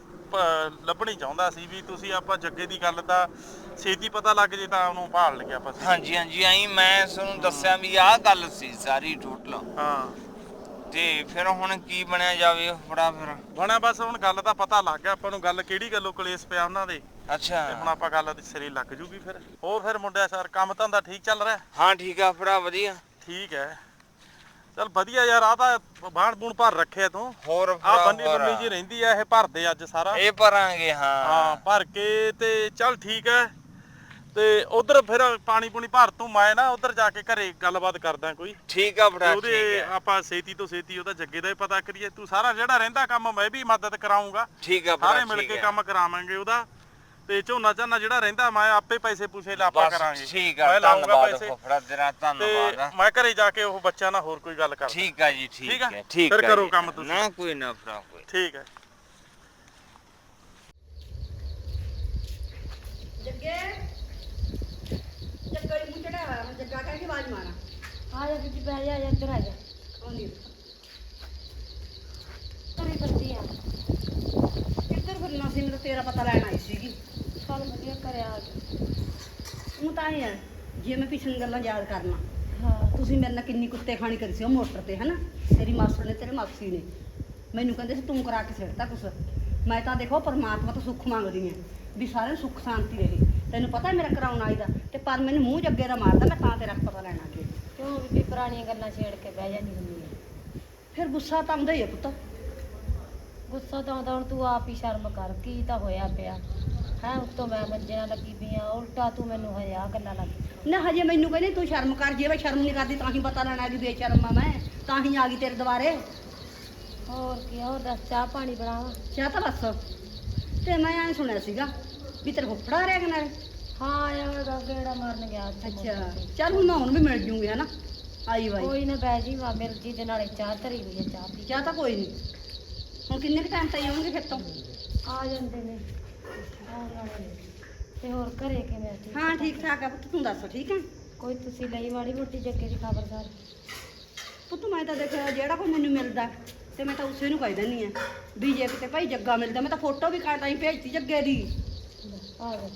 Speaker 3: ਲੱਭਣੀ ਚਾਹੁੰਦਾ ਸੀ ਵੀ ਤੁਸੀਂ ਆਪਾਂ ਜੱਗੇ ਦੀ ਗੱਲ ਤਾਂ ਛੇਤੀ ਪਤਾ ਲੱਗ ਜੇ ਤਾਂ ਉਹਨੂੰ ਭਾਲ ਲਈਏ ਆਪਾਂ।
Speaker 4: ਹਾਂਜੀ ਹਾਂਜੀ ਆਈ ਮੈਂ ਤੁਹਾਨੂੰ ਦੱਸਿਆ ਵੀ ਆਹ ਗੱਲ ਸੀ ਸਾਰੀ ਟੋਟਲ।
Speaker 3: ਹਾਂ
Speaker 4: ਤੇ ਫਿਰ ਹੁਣ ਕੀ ਬਣਿਆ ਜਾਵੇ ਫੜਾ ਫਿਰ
Speaker 3: ਬਣਿਆ ਬਸ ਹੁਣ ਗੱਲ ਦਾ ਪਤਾ ਲੱਗ ਗਿਆ ਆਪਾਂ ਨੂੰ। ਗੱਲ ਕਿਹੜੀ ਗੱਲੋਂ ਕਲੇਸ਼ ਪਿਆ ਉਹਨਾਂ ਦੇ
Speaker 4: ਅੱਛਾ
Speaker 3: ਤੇ ਹੁਣ ਆਪਾਂ ਗੱਲ ਦੇ ਸਿਰੇ ਲੱਗ ਜੂਗੀ ਫਿਰ। ਹੋਰ ਫਿਰ ਮੁੰਡਿਆ ਸਰ ਕੰਮ ਧੰਦਾ ਠੀਕ ਚੱਲ ਰਿਹਾ?
Speaker 4: ਹਾਂ ਠੀਕ ਆ ਫੜਾ ਵਧੀਆ।
Speaker 3: ਠੀਕ ਹੈ ਚੱਲ ਵਧੀਆ ਯਾਰ। ਆ ਤਾਂ ਬਾਣ ਬੂਣ ਭਰ ਰੱਖਿਆ ਤੂੰ।
Speaker 4: ਹੋਰ
Speaker 3: ਆ ਬੰਨੀ ਬੰਨੀ ਜੀ ਰਹਿੰਦੀ ਆ ਇਹ ਭਰਦੇ ਅੱਜ ਸਾਰਾ।
Speaker 4: ਇਹ ਭਰਾਂਗੇ ਹਾਂ।
Speaker 3: ਹਾਂ ਭਰ ਕੇ ਤੇ ਚੱਲ ਠੀਕ ਹੈ। ਤੇ ਉਧਰ ਫਿਰ ਪਾਣੀ ਪੂਣੀ ਭਰ ਤੂੰ ਮੈਂ ਨਾ ਉਧਰ ਜਾ ਕੇ ਘਰੇ ਗੱਲਬਾਤ ਕਰਦਾ ਕੋਈ।
Speaker 4: ਠੀਕ ਆ ਫੜਾ
Speaker 3: ਉਹਦੇ
Speaker 4: ਠੀਕ ਆ।
Speaker 3: ਆਪਾਂ ਛੇਤੀ ਤੋਂ ਛੇਤੀ ਉਹਦਾ ਜੱਗੇ ਦਾ ਹੀ ਪਤਾ ਕਰੀਏ। ਤੂੰ ਸਾਰਾ ਜਿਹੜਾ ਰਹਿੰਦਾ ਕੰਮ ਮੈਂ ਵੀ ਮਦਦ ਕਰਾਉਂਗਾ।
Speaker 4: ਠੀਕ ਆ
Speaker 3: ਸਾਰੇ
Speaker 4: ਫੜਾ
Speaker 3: ਮਿਲ
Speaker 4: ਠੀਕ
Speaker 3: ਕੇ
Speaker 4: ਆ।
Speaker 3: ਕੰਮ ਕਰਾਵਾਂਗੇ ਉਹਦਾ। ਤੇ ਝੋਨਾ ਝਾਨਾ ਜਿਹੜਾ ਰਹਿੰਦਾ ਮੈਂ ਆਪੇ ਪੈਸੇ ਪੂਸੇ ਲਾਪਾ
Speaker 4: ਬਸ
Speaker 3: ਕਰਾਂਗੇ।
Speaker 4: ਠੀਕ ਆ
Speaker 3: ਮੈਂ ਲਾਉਂਗਾ
Speaker 4: ਧੰਨਵਾਦ
Speaker 3: ਪੈਸੇ।
Speaker 4: ਫੜਾ ਤੇਰਾ ਧੰਨਵਾਦ ਆ।
Speaker 3: ਤੇ ਮੈਂ ਘਰੇ ਜਾ ਕੇ ਉਹ ਬੱਚਿਆਂ ਨਾਲ ਹੋਰ ਕੋਈ ਗੱਲ ਕਰ।
Speaker 4: ਠੀਕ ਆ ਜੀ ਠੀਕ ਹੈ ਠੀਕ
Speaker 3: ਫਿਰ
Speaker 4: ਆ
Speaker 3: ਕਰੋ
Speaker 4: ਜੀ।
Speaker 3: ਕੰਮ ਤੁਸੀਂ।
Speaker 4: ਨਾ ਕੋਈ ਨਾ ਫੜਾ ਕੋਈ।
Speaker 3: ਠੀਕ ਹੈ।
Speaker 1: ਜੱਗੇ ਜੱਗਾ ਹੀ ਮੂੰਹ ਚੜਿਆ ਹੋਇਆ। ਮੈਂ ਜੱਗਾ ਕਹਿ ਕੇ ਆਵਾਜ਼ ਮਾਰਾਂ।
Speaker 2: ਆ ਜਾ ਬੀਬੀ ਬਹਿ ਜਾ ਇੱਧਰ ਆ ਜਾ।
Speaker 1: ਆਉਂਦੀ
Speaker 2: ਕਰੀ ਕਰਦੀ ਆ
Speaker 1: ਕਿੱਧਰ ਫਿਰਨਾ ਸੀ? ਮੈਨੂੰ ਤੇਰਾ ਪਤਾ ਲੈਣ ਆਈ ਸੀਗੀ।
Speaker 2: ਚੱਲ ਵਧੀਆ ਕਰਿਆ ਆ ਜਾ।
Speaker 1: ਉਹ ਤਾਂ ਹੀ ਆ ਜੇ ਮੈਂ ਪਿਛਲੀਆਂ ਗੱਲਾਂ ਯਾਦ ਕਰਨਾ।
Speaker 2: ਹਾਂ
Speaker 1: ਤੁਸੀਂ ਮੇਰੇ ਨਾਲ ਕਿੰਨੀ ਕੁੱਤੇ ਖਾਣੀ ਕਰੀ ਸੀ ਉਹ ਮੋਟਰ ਤੇ ਹਨਾ। ਤੇਰੀ ਮਾਸੜ ਨੇ ਤੇਰੇ ਮਾਸੀ ਨੇ ਮੈਨੂੰ ਕਹਿੰਦੇ ਸੀ ਤੂੰ ਕਰਾ ਕੇ ਸਿੱਟਦਾ ਕੁਛ। ਮੈਂ ਤਾਂ ਦੇਖੋ ਪਰਮਾਤਮਾ ਤੋਂ ਸੁੱਖ ਮੰਗਦੀ ਆ
Speaker 5: ਵੀ ਸਾਰਿਆਂ ਨੂੰ ਸੁੱਖ ਸ਼ਾਂਤੀ ਰਹੇ। ਤੈਨੂੰ ਪਤਾ ਮੇਰਾ ਕਰਾਉਣ ਆਈ ਦਾ ਤੇ ਪਰ ਮੈਨੂੰ ਮੂੰਹ ਜੱਗੇ ਦਾ ਮਾਰਦਾ, ਮੈਂ ਤਾਂ ਤੇਰਾ ਪਤਾ ਲੈਣਾ ਅੱਗੇ।
Speaker 2: ਕਿਉਂ ਬੀਬੀ ਪੁਰਾਣੀਆਂ ਗੱਲਾਂ ਛੇੜ ਕੇ ਬਹਿ ਜਾਂਦੀ ਹੁੰਦੀ ਹੈ।
Speaker 5: ਫਿਰ ਗੁੱਸਾ ਤਾਂ ਆਉਂਦਾ ਹੀ ਆ ਪੁੱਤ।
Speaker 2: ਗੁੱਸਾ ਤਾਂ ਆਉਂਦਾ, ਹੁਣ ਤੂੰ ਆਪ ਹੀ ਸ਼ਰਮ ਕਰ, ਕੀ ਤਾਂ ਹੋਇਆ ਪਿਆ ਹੈ। ਉੱਤੋਂ ਮੈਂ ਮੰਜੇ ਨਾਲ ਲੱਗੀ ਪਈ ਆ, ਉਲਟਾ ਤੂੰ ਮੈਨੂੰ ਹਜੇ ਆਹ ਗੱਲਾਂ ਲੱਗ।
Speaker 5: ਨਾ ਹਜੇ ਮੈਨੂੰ ਕਹਿੰਦੀ ਤੂੰ ਸ਼ਰਮ ਕਰ, ਜੇ ਮੈਂ ਸ਼ਰਮ ਨਹੀਂ ਕਰਦੀ ਤਾਂ ਹੀ ਪਤਾ ਲੈਣਾ ਵੀ ਬੇਸ਼ਰਮ ਆ ਮੈਂ, ਤਾਂ ਹੀ ਆ ਗਈ ਤੇਰੇ ਦੁਆਰੇ।
Speaker 2: ਹੋਰ ਕੀ, ਹੋਰ ਦੱਸ, ਚਾਹ ਪਾਣੀ ਬਣਾਵਾਂ?
Speaker 5: ਚਾਹ ਤਾਂ ਬਸ। ਤੇ ਮੈਂ ਐਂ ਸੁਣਿਆ ਸੀਗਾ ਵੀ ਤੇਰੇ ਫੁੱਫੜਾ ਰਿਹਾ ਕਿ ਨਾਲੇ।
Speaker 2: ਹਾਂ ਆਇਆ ਗੇੜਾ ਮਾਰਨ ਗਿਆ ਅੱਜ
Speaker 5: ਅੱਛਾ ਚੱਲ ਹੁਣ ਮੈਂ ਹੁਣ ਵੀ ਮਿਲ ਜੂੰਗੀ ਹਨਾ, ਆਈ ਵਾਈ।
Speaker 2: ਕੋਈ ਨਾ ਬਹਿ ਜੀ ਵਾ ਮਿਲ ਜੀ, ਤੇ ਨਾਲੇ ਚਾਹ ਧਰੀ ਹੋਈ ਹੈ, ਚਾਹ ਪੀ।
Speaker 5: ਚਾਹ ਤਾਂ ਕੋਈ ਨਹੀਂ। ਹੁਣ ਕਿੰਨੇ ਕੁ ਟਾਈਮ ਤਾਈ ਆਉਣਗੇ ਫਿਰ ਤੋਂ?
Speaker 2: ਆ ਜਾਂਦੇ ਨੇ, ਆਉਣ ਵਾਲੇ ਨੇ। ਤੇ ਹੋਰ ਘਰੇ ਕਿਵੇਂ ਠੀਕ?
Speaker 5: ਹਾਂ ਠੀਕ ਠਾਕ ਆ ਪੁੱਤ, ਤੂੰ ਦੱਸ ਠੀਕ ਹੈ?
Speaker 2: ਕੋਈ ਤੁਸੀਂ ਲਈ ਮਾੜੀ ਮੋਟੀ ਜੱਗੇ ਦੀ ਖਬਰਦਾਰ?
Speaker 5: ਪੁੱਤ ਮੈਂ ਤਾਂ ਦੇਖਿਆ ਜਿਹੜਾ ਕੋਈ ਮੈਨੂੰ ਮਿਲਦਾ ਤੇ ਮੈਂ ਤਾਂ ਉਸੇ ਨੂੰ ਕਹਿ ਦਿੰਦੀ ਆ ਵੀ ਜੇ ਕਿਤੇ ਭਾਈ ਜੱਗਾ ਮਿਲਦਾ। ਮੈਂ ਤਾਂ ਫੋਟੋ ਵੀ ਕਾਟਾਂ ਹੀ ਭੇਜਤੀ ਜੱਗੇ ਦੀ।
Speaker 2: ਆ ਜਾ।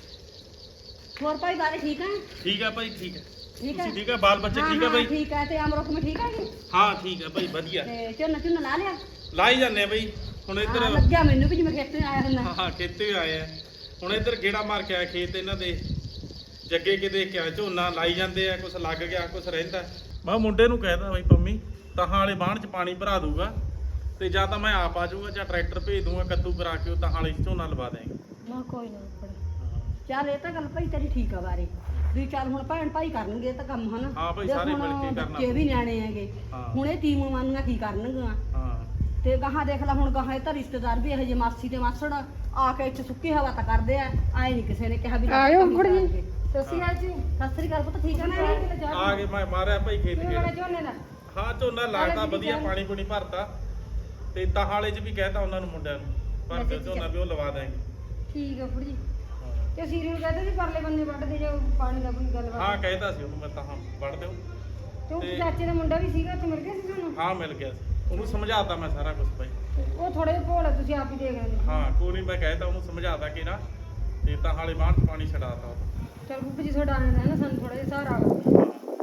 Speaker 5: ਹੋਰ ਭਾਈ ਬਾਰੇ ਠੀਕ ਹੈ?
Speaker 3: ਠੀਕ ਹੈ ਭਾਈ, ਠੀਕ ਹੈ।
Speaker 5: ਠੀਕ ਹੈ?
Speaker 3: ਤੁਸੀਂ ਠੀਕ ਹੈ? ਬਾਲ ਬੱਚੇ
Speaker 5: ਹਾਂ,
Speaker 3: ਠੀਕ ਹੈ
Speaker 5: ਹਾਂ,
Speaker 3: ਭਾਈ?
Speaker 5: ਠੀਕ ਹੈ। ਤੇ ਅਮਰੋਖ ਮੈਂ ਠੀਕ ਹੈ ਜੀ?
Speaker 3: ਹਾਂ ਠੀਕ ਹੈ ਭਾਈ, ਵਧੀਆ।
Speaker 5: ਤੇ ਝੋਨਾ ਝੋਨਾ ਲਾ ਲਿਆ?
Speaker 3: ਲਾਈ ਜਾਂਦੇ ਆ ਭਾਈ ਹੁਣ
Speaker 5: ਹਾਂ,
Speaker 3: ਇੱਧਰ।
Speaker 5: ਲੱਗਿਆ ਮੈਨੂੰ ਵੀ ਜਿਵੇਂ ਖੇਤੋਂ ਆਇਆ ਹੁੰਦਾ।
Speaker 3: ਹਾਂ ਖੇਤੇ ਆਏ ਆ ਹੁਣ ਇੱਧਰ ਗੇੜਾ ਮਾਰ ਕੇ ਆਇਆ ਖੇਤ ਇਹਨਾਂ ਦੇ। ਜੱਗੇ ਕਿਤੇ ਕਿਆ ਝੋਨਾ ਲਾਈ ਜਾਂਦੇ ਆ, ਕੁਛ ਲੱਗ ਗਿਆ ਕੁਛ ਰਹਿੰਦਾ। ਮੈਂ ਮੁੰਡੇ ਨੂੰ ਕਹਿਦਾ ਬਈ ਪੰਮੀ ਤਹਾਂ ਵਾਲੇ ਬਾਣ 'ਚ ਪਾਣੀ ਭਰਾ ਦੂਗਾ ਤੇ ਜਾਂ ਤਾਂ ਮੈਂ ਆਪ ਆ ਜਾਊਗਾ ਜਾਂ ਟਰੈਕਟਰ ਭੇਜ ਦੂੰਗਾ ਕੱਦੂ ਕਰਾ ਕੇ ਉਹ ਤਹਾਂ ਵਾਲੇ 'ਚ ਝੋਨਾ ਲਵਾ ਦੇਂਗੇ।
Speaker 2: ਨਾ ਕੋਈ ਨਾ ਉੱਪਰ।
Speaker 5: ਚੱਲ ਇਹ ਤਾਂ ਗੱਲ ਭਾਈ ਤੇਰੀ ਠੀਕ ਆ ਬਾਰੇ ਵੀ ਚੱਲ ਹੁਣ ਭੈਣ ਭਾਈ ਕਰਨਗੇ ਇਹ ਤਾਂ ਕੰਮ ਹਨਾ।
Speaker 3: ਹਾਂ ਭਾਈ,
Speaker 5: ਦੇਖ
Speaker 3: ਸਾਰੇ
Speaker 5: ਹੁਣ
Speaker 3: ਮਿਲ ਕੇ ਕਰਨਾ
Speaker 5: ਬੱਚੇ ਵੀ ਨਿਆਣੇ ਹੈਗੇ।
Speaker 3: ਹਾਂ।
Speaker 5: ਹੁਣ ਇਹ ਤੀਮੋਂ ਮਾਨੂਆਂ ਕੀ ਕਰਨਗੀਆਂ
Speaker 3: ਹਾਂ
Speaker 5: ਤੇ ਗਾਹਾਂ ਦੇਖ ਲੈ ਹੁਣ ਗਾਹਾਂ ਇਹ ਤਾਂ ਰਿਸ਼ਤੇਦਾਰ ਵੀ ਇਹੋ ਜਿਹੇ ਮਾਸੀ ਤੇ ਮਾਸੜ ਆ ਕੇ ਇੱਥੇ ਸੁੱਕੀ ਹਵਾ ਤਾਂ ਕਰਦੇ ਆ। ਆਏ ਨਹੀਂ ਕਿਸੇ ਨੇ ਕਿਹਾ ਵੀ
Speaker 1: ਆਇਓ
Speaker 5: ਕੰਮ
Speaker 1: ਖੁੜ ਜੀ।
Speaker 5: ਕਰਾਂਗੇ।
Speaker 1: ਸਸੀ ਆ ਜੀ।
Speaker 5: ਸਤਿ ਸ੍ਰੀ ਅਕਾਲ ਪੁੱਤ, ਠੀਕ ਆ ਨਾ?
Speaker 3: ਆ ਗਏ, ਮੈਂ ਮਾਰਿਆ ਭਾਈ ਖੇਤ
Speaker 1: ਕਿਵੇਂ ਬੜਾ
Speaker 3: ਗੇੜਾ।
Speaker 1: ਝੋਨੇ ਦਾ?
Speaker 3: ਹਾਂ ਝੋਨਾ ਲੱਗਦਾ ਵਧੀਆ, ਪਾਣੀ ਪੂਣੀ ਭਰਤਾ ਤੇ ਤਹਾਂ ਵਾਲੇ 'ਚ ਵੀ ਕਹਿਤਾ ਉਹਨਾਂ ਨੂੰ ਮੁੰਡਿਆਂ ਨੂੰ ਭਰ ਕੇ ਝੋਨਾ ਵੀ ਉਹ ਲਵਾ ਦੇਂਗੇ।
Speaker 1: ਠੀਕ ਆ ਫੁੜ ਜੀ। ਤੇ ਸੀਰੀ ਨੂੰ ਕਹਿੰਦੇ ਸੀ ਪਰਲੇ ਬੰਦੇ ਵੱਢ ਦੇ, ਜੋ ਪਾਣੀ ਦਾ ਕੋਈ ਗੱਲਬਾਤ।
Speaker 3: ਹਾਂ ਕਹਿਤਾ ਸੀ ਉਹਨੂੰ ਮੈਂ ਤਾਂ ਵੜ ਦਿਓ।
Speaker 1: ਤੇ ਉਹ
Speaker 3: ਤੇ-
Speaker 1: ਚਾਚੇ ਦਾ ਮੁੰਡਾ ਵੀ ਸੀਗਾ, ਉੱਥੇ ਮਿਲ ਗਿਆ ਸੀ ਤੁਹਾਨੂੰ?
Speaker 3: ਹਾਂ ਮਿਲ ਗਿਆ ਸੀ, ਉਹਨੂੰ ਸਮਝਾਤਾ ਮੈਂ ਸਾਰਾ ਕੁਝ ਭਾਈ।
Speaker 1: ਉਹ ਥੋੜੇ ਜਿਹੇ ਭੋਲ ਆ, ਤੁਸੀਂ ਆਪ ਹੀ ਦੇਖ ਲੈਂਦੇ।
Speaker 3: ਹਾਂ ਕੋਈ ਨਹੀਂ, ਮੈਂ ਕਹਿਤਾ ਉਹਨੂੰ ਸਮਝਾਤਾ ਕਿ ਨਾ ਤੇ ਤਾਂ ਹਾਲੇ ਬਾਹਰ 'ਚ ਪਾਣੀ ਛਡਾਤਾ ਉਹ।
Speaker 1: ਚਲ ਗੁੱਪ ਜੀ ਤੁਹਾਡਾ ਆਣਾ ਹੈ ਨਾ, ਸਾਨੂੰ ਥੋੜਾ ਜਿਹਾ ਸਹਾਰਾ ਆਵੇ।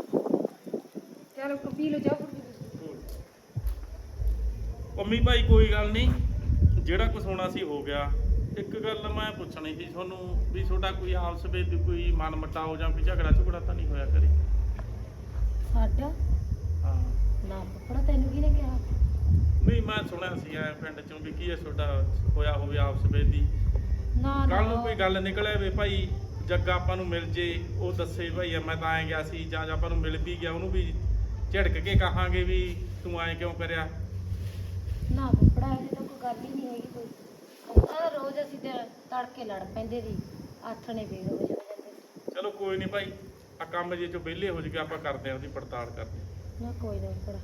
Speaker 1: ਚਲ ਪੀ ਲਓ ਚਾਹ ਫੁੜ ਜੀ।
Speaker 3: ਪੰਮੀ ਭਾਈ ਕੋਈ ਗੱਲ ਨਹੀਂ, ਜਿਹੜਾ ਕੁਝ ਹੋਣਾ ਸੀ ਹੋ ਗਿਆ। ਇੱਕ ਗੱਲ ਮੈਂ ਪੁੱਛਣੀ ਸੀ ਤੁਹਾਨੂੰ ਵੀ ਤੁਹਾਡਾ ਕੋਈ ਆਪਸ ਵਿੱਚ ਕੋਈ ਮਨ ਮਟਾਓ ਜਾਂ ਕੋਈ ਝਗੜਾ ਝੁਗੜਾ ਤਾਂ ਨਹੀਂ ਹੋਇਆ ਕਰੇ?
Speaker 2: ਸਾਡਾ
Speaker 3: ਹਾਂ
Speaker 2: ਨਾ ਪਪੜਾ, ਤੈਨੂੰ ਕਿਹਨੇ ਕਿਹਾ?
Speaker 3: ਨਹੀਂ ਮੈਂ ਸੁਣਿਆ ਸੀ ਐ ਪਿੰਡ ਚੋਂ ਵੀ ਕੀ ਹੈ ਤੁਹਾਡਾ ਹੋਇਆ ਹੋਵੇ ਆਪਸ ਵਿੱਚ ਦੀ।
Speaker 2: ਨਾ
Speaker 3: ਕੱਲ ਨੂੰ ਕੋਈ
Speaker 2: ਨਾ
Speaker 3: ਗੱਲ ਨਿਕਲੇ ਵੀ ਭਾਈ ਜੱਗਾ ਆਪਾਂ ਨੂੰ ਮਿਲ ਜੇ, ਉਹ ਦੱਸੇ ਭਾਈ ਮੈਂ ਤਾਂ ਐਂ ਗਿਆ ਸੀ, ਜਾਂ ਆਪਾਂ ਨੂੰ ਮਿਲ ਵੀ ਗਿਆ ਉਹਨੂੰ ਵੀ ਝਿੜਕ ਕੇ ਕਹਾਂਗੇ ਵੀ ਤੂੰ ਐਂ ਕਿਉਂ ਕਰਿਆ।
Speaker 2: ਨਾ ਪਪੜਾ, ਇਹਦੀ ਤਾਂ ਕੋਈ ਗੱਲ ਹੀ ਨਹੀਂ ਹੈਗੀ ਕੋਈ। ਆ ਰੋਜ਼ ਅਸੀਂ ਤੇ ਤੜਕੇ ਲੜ ਪੈਂਦੇ ਸੀ, ਆਥਣੇ ਫੇਰ ਹੋ ਜਾਂਦੇ ਸੀ।
Speaker 3: ਚਲੋ ਕੋਈ ਨਹੀਂ ਭਾਈ, ਆ ਕੰਮ ਜੇ ਚੋਂ ਵਿਹਲੇ ਹੋ ਜਗੇ ਆਪਾਂ ਕਰਦੇ ਆ ਉਹਦੀ ਪੜਤਾਲ ਕਰਦੇ
Speaker 2: ਨਾ ਕੋਈ ਨਾ ਪਪੜਾ।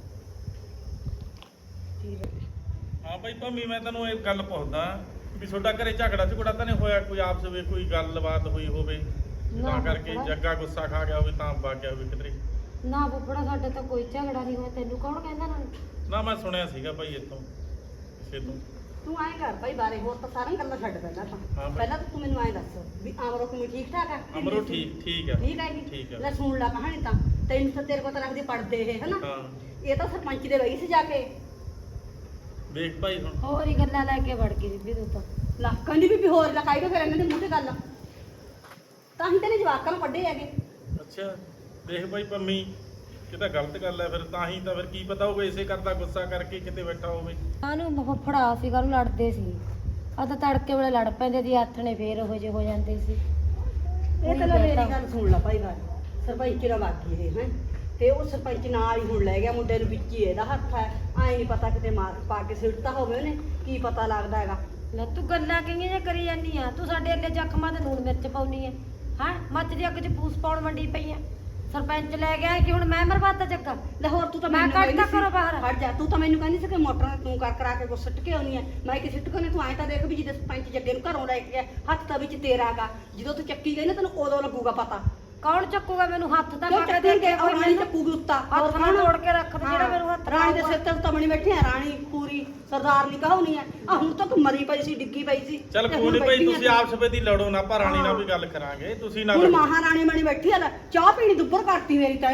Speaker 3: ਹਾਂ। ਹਾਂ ਭਾਈ ਪੰਮੀ ਮੈਂ ਤੈਨੂੰ ਇਹ ਗੱਲ ਪੁੱਛਦਾ ਵੀ ਤੁਹਾਡਾ ਘਰੇ ਝਗੜਾ ਝੁਗੜਾ ਤਾਂ ਨਹੀਂ ਹੋਇਆ ਕੋਈ ਆਪਸ ਵਿੱਚ, ਕੋਈ ਗੱਲਬਾਤ ਹੋਈ ਹੋਵੇ
Speaker 2: ਨਾ
Speaker 3: ਤਾਂ ਕਰਕੇ
Speaker 2: ਪਪੜਾ।
Speaker 3: ਜੱਗਾ ਗੁੱਸਾ ਖਾ ਗਿਆ ਹੋਵੇ ਤਾਂ ਵਗ ਗਿਆ ਹੋਵੇ ਕਿਧਰੇ?
Speaker 2: ਨਾ ਪਪੜਾ, ਸਾਡੇ ਤਾਂ ਕੋਈ ਝਗੜਾ ਨਹੀਂ ਹੋਇਆ। ਤੈਨੂੰ ਕੌਣ ਕਹਿੰਦਾ ਨਾ?
Speaker 3: ਨਾ ਮੈਂ ਸੁਣਿਆ ਸੀਗਾ ਭਾਈ ਇੱਥੋਂ ਕਿਸੇ ਤੋਂ।
Speaker 5: ਤੂੰ ਐਂ ਕਰ ਭਾਈ ਬਾਰੇ, ਹੋਰ ਤਾਂ ਸਾਰੀਆਂ ਗੱਲਾਂ ਛੱਡ ਪਹਿਲਾਂ ਤਾਂ।
Speaker 3: ਹਾਂ ਭਾਈ।
Speaker 5: ਪਹਿਲਾਂ ਤਾਂ ਤੂੰ ਮੈਨੂੰ ਐਂ ਦੱਸ ਵੀ ਅਮਰੋ ਕਿਵੇਂ ਠੀਕ ਠਾਕ ਆ?
Speaker 3: ਅਮਰੋ ਠੀਕ ਠੀਕ ਆ।
Speaker 5: ਠੀਕ ਹੈ ਜੀ।
Speaker 3: ਠੀਕ ਆ।
Speaker 5: ਲੈ ਸੁਣ ਲੈ ਕਹਾਣੀ ਤਾਂ, ਤੈਨੂੰ ਤਾਂ ਤੇਰੇ ਕੋਲ ਤਾਂ ਰੱਖਦੇ ਪੜਦੇ ਇਹ ਹਨਾ।
Speaker 3: ਹਾਂ
Speaker 5: ਇਹ ਤਾਂ ਸਰਪੰਚ ਦੇ ਵਈ ਸੀ ਜਾ ਕੇ।
Speaker 3: ਵੇਖ ਭਾਈ ਹੁਣ।
Speaker 2: ਹੋਰ ਹੀ ਗੱਲਾਂ ਲੈ ਕੇ ਵੜ ਗਈ ਬੀਬੀ ਤੂੰ ਤਾਂ।
Speaker 5: ਲੱਕਾਂ ਦੀ ਵੀ ਹੋਰ ਲਕਾਈ ਦੋ ਫਿਰ ਇਹਨਾਂ ਦੇ ਮੂੰਹ ਤੇ ਗੱਲ। ਤਾਂ ਹੀ ਤੇਰੇ ਜਵਾਕਾਂ ਨੂੰ ਕੱਢੇ ਹੈਗੇ।
Speaker 3: ਅੱਛਾ ਦੇਖ ਭਾਈ ਪੰਮੀ, ਇਹ ਤਾਂ ਗਲਤ ਗੱਲ ਹੈ ਫਿਰ। ਤਾਂ ਹੀ ਤਾਂ ਫਿਰ ਕੀ ਪਤਾ ਹੋਵੇ ਇਸੇ ਕਰਦਾ ਗੁੱਸਾ ਕਰਕੇ ਕਿਤੇ ਬੈਠਾ ਹੋਵੇ।
Speaker 2: ਕਾਹਨੂੰ ਫਫੜਾ ਸੀ, ਕਾਹਨੂੰ ਲੜਦੇ ਸੀ? ਆ ਤਾਂ ਤੜਕੇ ਵੇਲੇ ਲੜ ਪੈਂਦੇ ਸੀ, ਆਥਣੇ ਫੇਰ ਉਹੋ ਜਿਹੇ ਹੋ ਜਾਂਦੇ ਸੀ।
Speaker 5: ਇਹ ਤਾਂ ਲੈ ਮੇਰੀ ਗੱਲ ਸੁਣ ਲੈ ਭਾਈ ਗੱਲ। ਸਰਪੰਚ ਦਾ ਬਾਕੀ ਇਹ ਹੈ ਤੇ ਉਹ ਸਰਪੰਚ ਨਾਲ ਹੀ ਹੁਣ ਲੈ ਗਿਆ ਮੁੰਡੇ ਨੂੰ, ਵਿੱਚ ਹੀ ਇਹਦਾ ਹੱਥ ਹੈ। ਐਂ ਨਹੀਂ ਪਤਾ ਕਿਤੇ ਮਾਰ ਪਾ ਕੇ ਸਿੱਟਤਾ ਹੋਵੇ ਉਹਨੇ, ਕੀ ਪਤਾ ਲੱਗਦਾ ਹੈਗਾ।
Speaker 2: ਲੈ ਤੂੰ ਗੱਲਾਂ ਕਿੰਨੀਆਂ ਜਿਹੀਆਂ ਕਰੀ ਜਾਂਦੀ ਆ? ਤੂੰ ਸਾਡੇ ਅੱਲੇ ਜ਼ਖਮਾਂ ਤੇ ਨੂਣ ਮਿਰਚ ਪਾਉਣੀ ਐ? ਹਾਂ, ਮੱਝ ਦੀ ਅੱਗ 'ਚ ਪੂਸ ਪਾਉਣ ਮੰਡੀ ਪਈ ਆ। ਸਰਪੰਚ ਲੈ ਗਿਆ ਕਿ ਹੁਣ ਮੈਂ ਮਰਵਾਤਾ ਜੱਗਾ?
Speaker 5: ਲੈ ਹੋਰ ਤੂੰ ਤਾਂ
Speaker 2: ਮੈਂ
Speaker 5: ਮੈਨੂੰ
Speaker 2: ਕੱਢ
Speaker 5: ਕਹਿੰਦੀ
Speaker 2: ਤਾ ਘਰੋਂ ਬਾਹਰ।
Speaker 5: ਹਟ ਜਾ, ਤੂੰ ਤਾਂ ਮੈਨੂੰ ਕਹਿੰਦੀ ਸੀ ਕਿ ਮੋਟਰਾਂ ਤੂੰ ਕਰ ਕਰਾ ਕੇ ਕੁਛ ਸੁੱਟ ਕੇ ਆਉਣੀ ਹੈ। ਮੈਂ ਕਿ ਸੁੱਟ ਕੇ ਆਉਣੀ, ਤੂੰ ਐਂ ਤਾਂ ਦੇਖ ਵੀ ਜਿਹਦੇ ਸਰਪੰਚ ਜੱਗੇ ਨੂੰ ਘਰੋਂ ਲੈ ਕੇ ਗਿਆ, ਹੱਥ ਤਾਂ ਵਿੱਚ ਤੇਰਾ ਗਾ। ਜਦੋਂ ਤੂੰ ਚੱਕੀ ਗਈ ਨਾ ਤੈਨੂੰ ਉਦੋਂ ਲੱਗੂਗਾ ਪਤਾ।
Speaker 2: ਕੌਣ ਚੱਕੂਗਾ ਮੈਨੂੰ? ਹੱਥ ਤਾਂ
Speaker 5: ਕਿਉਂ
Speaker 2: ਪਾ ਕੇ
Speaker 5: ਚੱਕੀ
Speaker 2: ਦੇ
Speaker 5: ਗਏ?
Speaker 2: ਕੋਈ
Speaker 5: ਰਾਣੀ
Speaker 2: ਮੈਨੂੰ
Speaker 5: ਚੱਕੂਗੀ ਉੱਤਾ।
Speaker 2: ਹੱਥ ਨਾਲ ਤੋੜ ਕੇ ਰੱਖ ਦੇ ਜਿਹੜਾ ਮੈਨੂੰ ਹੱਥ
Speaker 5: ਰਾਣੀ ਦੇ
Speaker 2: ਲਾਊਗਾ।
Speaker 5: ਸਿਰ ਤੇ ਤਾਂ ਬਣੀ ਬੈਠੀ ਆ, ਰਾਣੀ ਪੂਰੀ ਸਰਦਾਰਨੀ ਕਹਾਉਣੀ ਆ। ਆ ਹੁਣ ਤੱਕ ਮਰੀ ਪਈ ਸੀ, ਡਿੱਗੀ ਪਈ ਸੀ।
Speaker 3: ਚੱਲ
Speaker 5: ਤੇ
Speaker 3: ਕੋਈ
Speaker 5: ਹੁਣ
Speaker 3: ਨਹੀਂ ਭਾਈ,
Speaker 5: ਬੈਠੀ ਆ।
Speaker 3: ਤੁਸੀਂ ਆਪਸ ਵਿੱਚ ਹੀ ਲੜੋ ਨਾ, ਆਪਾਂ ਰਾਣੀ ਨਾਲ
Speaker 5: ਹਾਂ।
Speaker 3: ਵੀ ਗੱਲ ਕਰਾਂਗੇ। ਤੁਸੀਂ ਨਾ
Speaker 5: ਹੁਣ
Speaker 3: ਲੜੋ।
Speaker 5: ਮਹਾਰਾਣੀ ਬਣੀ ਬੈਠੀ ਆ ਲੈ, ਚਾਹ ਪੀਣੀ ਦੁੱਬਰ ਕਰਤੀ ਮੇਰੀ ਤਾਂ ਇਹਨੇ।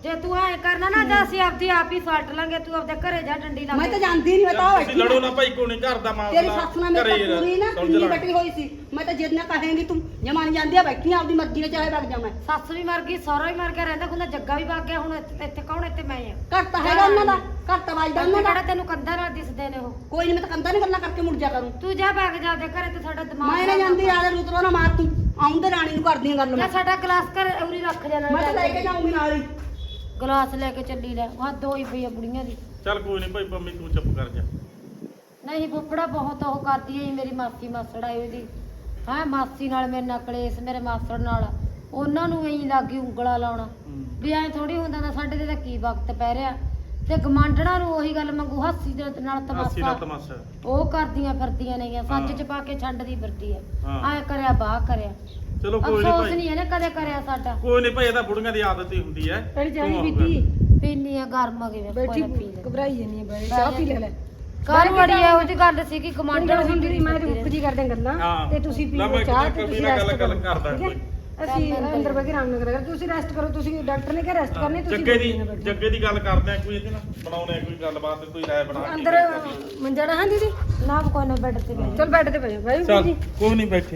Speaker 2: ਜੇ ਤੂੰ ਐ ਕਰਨਾ ਨਾ ਤਾਂ ਅਸੀਂ ਆਪਦੀ ਆਪ ਹੀ ਫੜ ਲਾਂਗੇ ਤੂੰ ਆਪਦੇ ਘਰੇ ਜਾ ਡੰਡੀ ਲਾ
Speaker 5: ਮੈਂ ਤਾਂ ਜਾਂਦੀ ਨਹੀਂ, ਮੈਂ ਤਾਂ
Speaker 3: ਤੁਸੀਂ ਲੜੋ ਨਾ ਭਾਈ, ਕੋਈ ਨਹੀਂ, ਘਰ ਦਾ
Speaker 5: ਤੇਰੀ
Speaker 3: ਮਾਮਲਾ
Speaker 5: ਸੱਸ ਨਾਲ ਮੇਰੀ ਤਾਂ ਪੂਰੀ ਨਾ
Speaker 3: ਸੁਲਝ
Speaker 5: ਕਿੰਨੀ
Speaker 3: ਲੈਣਾ।
Speaker 5: ਬੈਠੀ ਹੋਈ ਸੀ। ਮੈਂ ਤਾਂ ਜਿੰਨਾ ਕਹੇਂਗੀ ਤੂੰ ਜਮਾਨ ਜਾਂਦੀ ਆ, ਬੈਠੀ ਆ ਆਪਦੀ ਮਰਜ਼ੀ ਨਾਲ, ਚਾਹੇ ਵਗ ਜਾ ਮੈਂ।
Speaker 2: ਸੱਸ ਵੀ ਮਰ ਗਈ, ਸਹੁਰਾ ਵੀ ਮਰ ਗਿਆ, ਰਹਿੰਦਾ ਖੁੰਦਾ ਜੱਗਾ ਵੀ ਵਗ ਗਿਆ, ਹੁਣ ਇੱਥੇ ਕੌਣ? ਇੱਥੇ ਮੈਂ ਆ।
Speaker 5: ਘਰ ਤਾਂ ਹੈਗਾ ਉਹਨਾਂ ਦਾ, ਘਰ ਤਾਂ ਵੱਜਦਾ ਉਹਨਾਂ ਦਾ।
Speaker 2: ਕਿਹੜਾ ਤੈਨੂੰ ਕੰਧਾਂ ਨਾਲ ਦਿਸਦੇ ਨੇ ਉਹ?
Speaker 5: ਕੋਈ ਨਹੀਂ, ਮੈਂ ਤਾਂ ਕੰਦਾ ਨਹੀਂ ਗੱਲਾਂ ਕਰਕੇ ਮੁੜ ਜਾ ਕਰੂੰ।
Speaker 2: ਤੂੰ ਜਾ ਵਗ ਜਾ ਆਪਦੇ ਘਰੇ ਤੇ ਸਾਡਾ ਦਿਮਾਗ
Speaker 5: ਮੈਂ ਨਾ ਜਾਂਦੀ ਆ, ਰੁਤਰੋ ਨਾ ਮਾਰ ਤੂੰ। ਆਉਂਦੇ ਰਾਣੀ ਨੂੰ ਕਰਦੀ ਗੱਲ
Speaker 2: ਜਾਂ
Speaker 5: ਮੈਂ।
Speaker 2: ਸਾਡਾ ਗਲਾਸ ਘਰ ਉਰੀ ਰੱਖ ਜਾਣਾ।
Speaker 5: ਮੈਂ ਤਾਂ ਲੈ ਕੇ ਜਾਊਂਗੀ ਨਾਲ ਹੀ।
Speaker 2: ਗਲਾਸ ਲੈ ਕੇ ਚੱਲੀ ਲੈ, ਹੱਦ ਹੋਈ ਪਈ ਆ ਬੁੜੀਆਂ ਦੀ।
Speaker 3: ਚੱਲ ਕੋਈ ਨਹੀਂ ਭਾਈ, ਪੰਮੀ ਤੂੰ ਚੁੱਪ ਕਰ ਜਾ।
Speaker 2: ਨਹੀਂ ਫੁੱਫੜਾ ਬਹੁਤ ਉਹ ਕਰਦੀ ਹੈ ਮੇਰੀ ਮਾਸੀ ਮਾਸੜ ਆਈ ਉਹਦੀ। ਹਾਂ ਮਾਸੀ ਨਾਲ ਮੇਰੇ ਨਾਲ ਕਲੇਸ਼, ਮੇਰੇ ਮਾਸੜ ਨਾਲ, ਉਹਨਾਂ ਨੂੰ ਐਂ ਲੱਗੀ ਉਂਗਲਾ ਲਾਉਣਾ ਵੀ ਐਂ ਥੋੜੀ ਹੁੰਦਾ ਨਾ, ਸਾਡੇ ਤੇ ਤਾਂ ਕੀ ਵਕਤ ਪੈ ਰਿਹਾ। ਤੇ ਗਮਾਂਡਣਾ ਨੂੰ ਉਹੀ ਗੱਲ ਮੰਗੂ ਹਾਸੀ ਦੇ ਨਾਲ
Speaker 3: ਹਾਸੀ ਨਾਲ
Speaker 2: ਤਮਾਸ਼ਾ
Speaker 3: ਤਮਾਸ਼ਾ।
Speaker 2: ਉਹ ਕਰਦੀਆਂ ਫਿਰਦੀਆਂ ਨੇਗੀਆਂ, ਸੱਚ ਚ ਪਾ ਕੇ ਛੱਡਦੀ ਫਿਰਦੀ ਹੈ।
Speaker 3: ਹਾਂ।
Speaker 2: ਐਂ ਕਰਿਆ ਬਾਹ ਕਰਿਆ,
Speaker 3: ਚਲੋ ਕੋਈ ਨਹੀਂ
Speaker 2: ਅਫਸੋਸ
Speaker 3: ਭਾਈ,
Speaker 2: ਨਹੀਂ ਇਹਨੇ ਕਦੇ ਕਰਿਆ ਸਾਡਾ।
Speaker 3: ਕੋਈ ਨਹੀਂ ਭਾਈ, ਇਹ ਤਾਂ ਬੁੜੀਆਂ ਦੀ ਆਦਤ ਹੀ ਹੁੰਦੀ ਹੈ।
Speaker 1: ਤੇਰੀ ਜਾਣੀ
Speaker 3: ਤੂੰ
Speaker 1: ਬੀਤੀ
Speaker 2: ਪੀਨੀ ਆ ਗਰਮ ਕਿਵੇਂ
Speaker 1: ਬੈਠੀ
Speaker 2: ਪੀ ਲੈ।
Speaker 1: ਘਬਰਾਈ ਜਾਂਦੀ ਹੈ ਬਈ, ਚਾਹ ਪੀ ਲੈ।
Speaker 2: ਘਰ ਬੜੀ ਹੈ ਉਹਦੀ ਗੱਲ ਸੀ ਕਿ
Speaker 1: ਗਮਾਂਡਣ ਹੁੰਦੀ ਰਹੀ, ਮੈਂ ਤੇ ਉੱਪ ਜੀ ਕਰਦੇ ਗੱਲਾਂ
Speaker 3: ਹਾਂ।
Speaker 1: ਤੇ ਤੁਸੀਂ
Speaker 3: ਲੈ
Speaker 1: ਪੀਓ
Speaker 3: ਮੈਂ
Speaker 1: ਚਾਹ ਤੇ
Speaker 3: ਕਬੀਰ
Speaker 1: ਤੁਸੀਂ
Speaker 3: ਨਾਲ
Speaker 1: ਰੈਸਟ
Speaker 3: ਗੱਲ
Speaker 1: ਕਰੋ।
Speaker 3: ਕਰਦਾ
Speaker 1: ਠੀਕ ਹੈ?
Speaker 3: ਕੋਈ।
Speaker 1: ਅਸੀਂ ਅੰਦਰ ਬੈ ਕੇ ਆਰਾਮ ਨਾਲ ਕਰਾਂਗੇ, ਤੁਸੀਂ ਰੈਸਟ ਕਰੋ। ਤੁਸੀਂ ਡਾਕਟਰ ਨੇ ਕਿਹਾ ਰੈਸਟ ਕਰਨੀ, ਤੁਸੀਂ
Speaker 3: ਜੱਗੇ ਦੀ ਗੱਲ ਕਰਦੇ ਆ, ਕੋਈ ਇਹਦੇ ਨਾਲ ਬਣਾਉਣੇ ਕੋਈ ਗੱਲਬਾਤ, ਕੋਈ ਰਾਏ ਬਣਾ ਕੇ
Speaker 1: ਅੰਦਰ ਮੰਜਣਾ ਹਾਂ ਦੀਦੀ।
Speaker 2: ਨਾ ਕੋਈ ਨਾ ਬੈੱਡ ਤੇ ਬਹਿ।
Speaker 1: ਚਲ ਬੈੱਡ ਤੇ ਬੈਠੋ ਬਾਈ
Speaker 3: ਚੱਲ
Speaker 1: ਜੀ।
Speaker 3: ਕੋਈ ਨਹੀਂ, ਬੈਠੇ।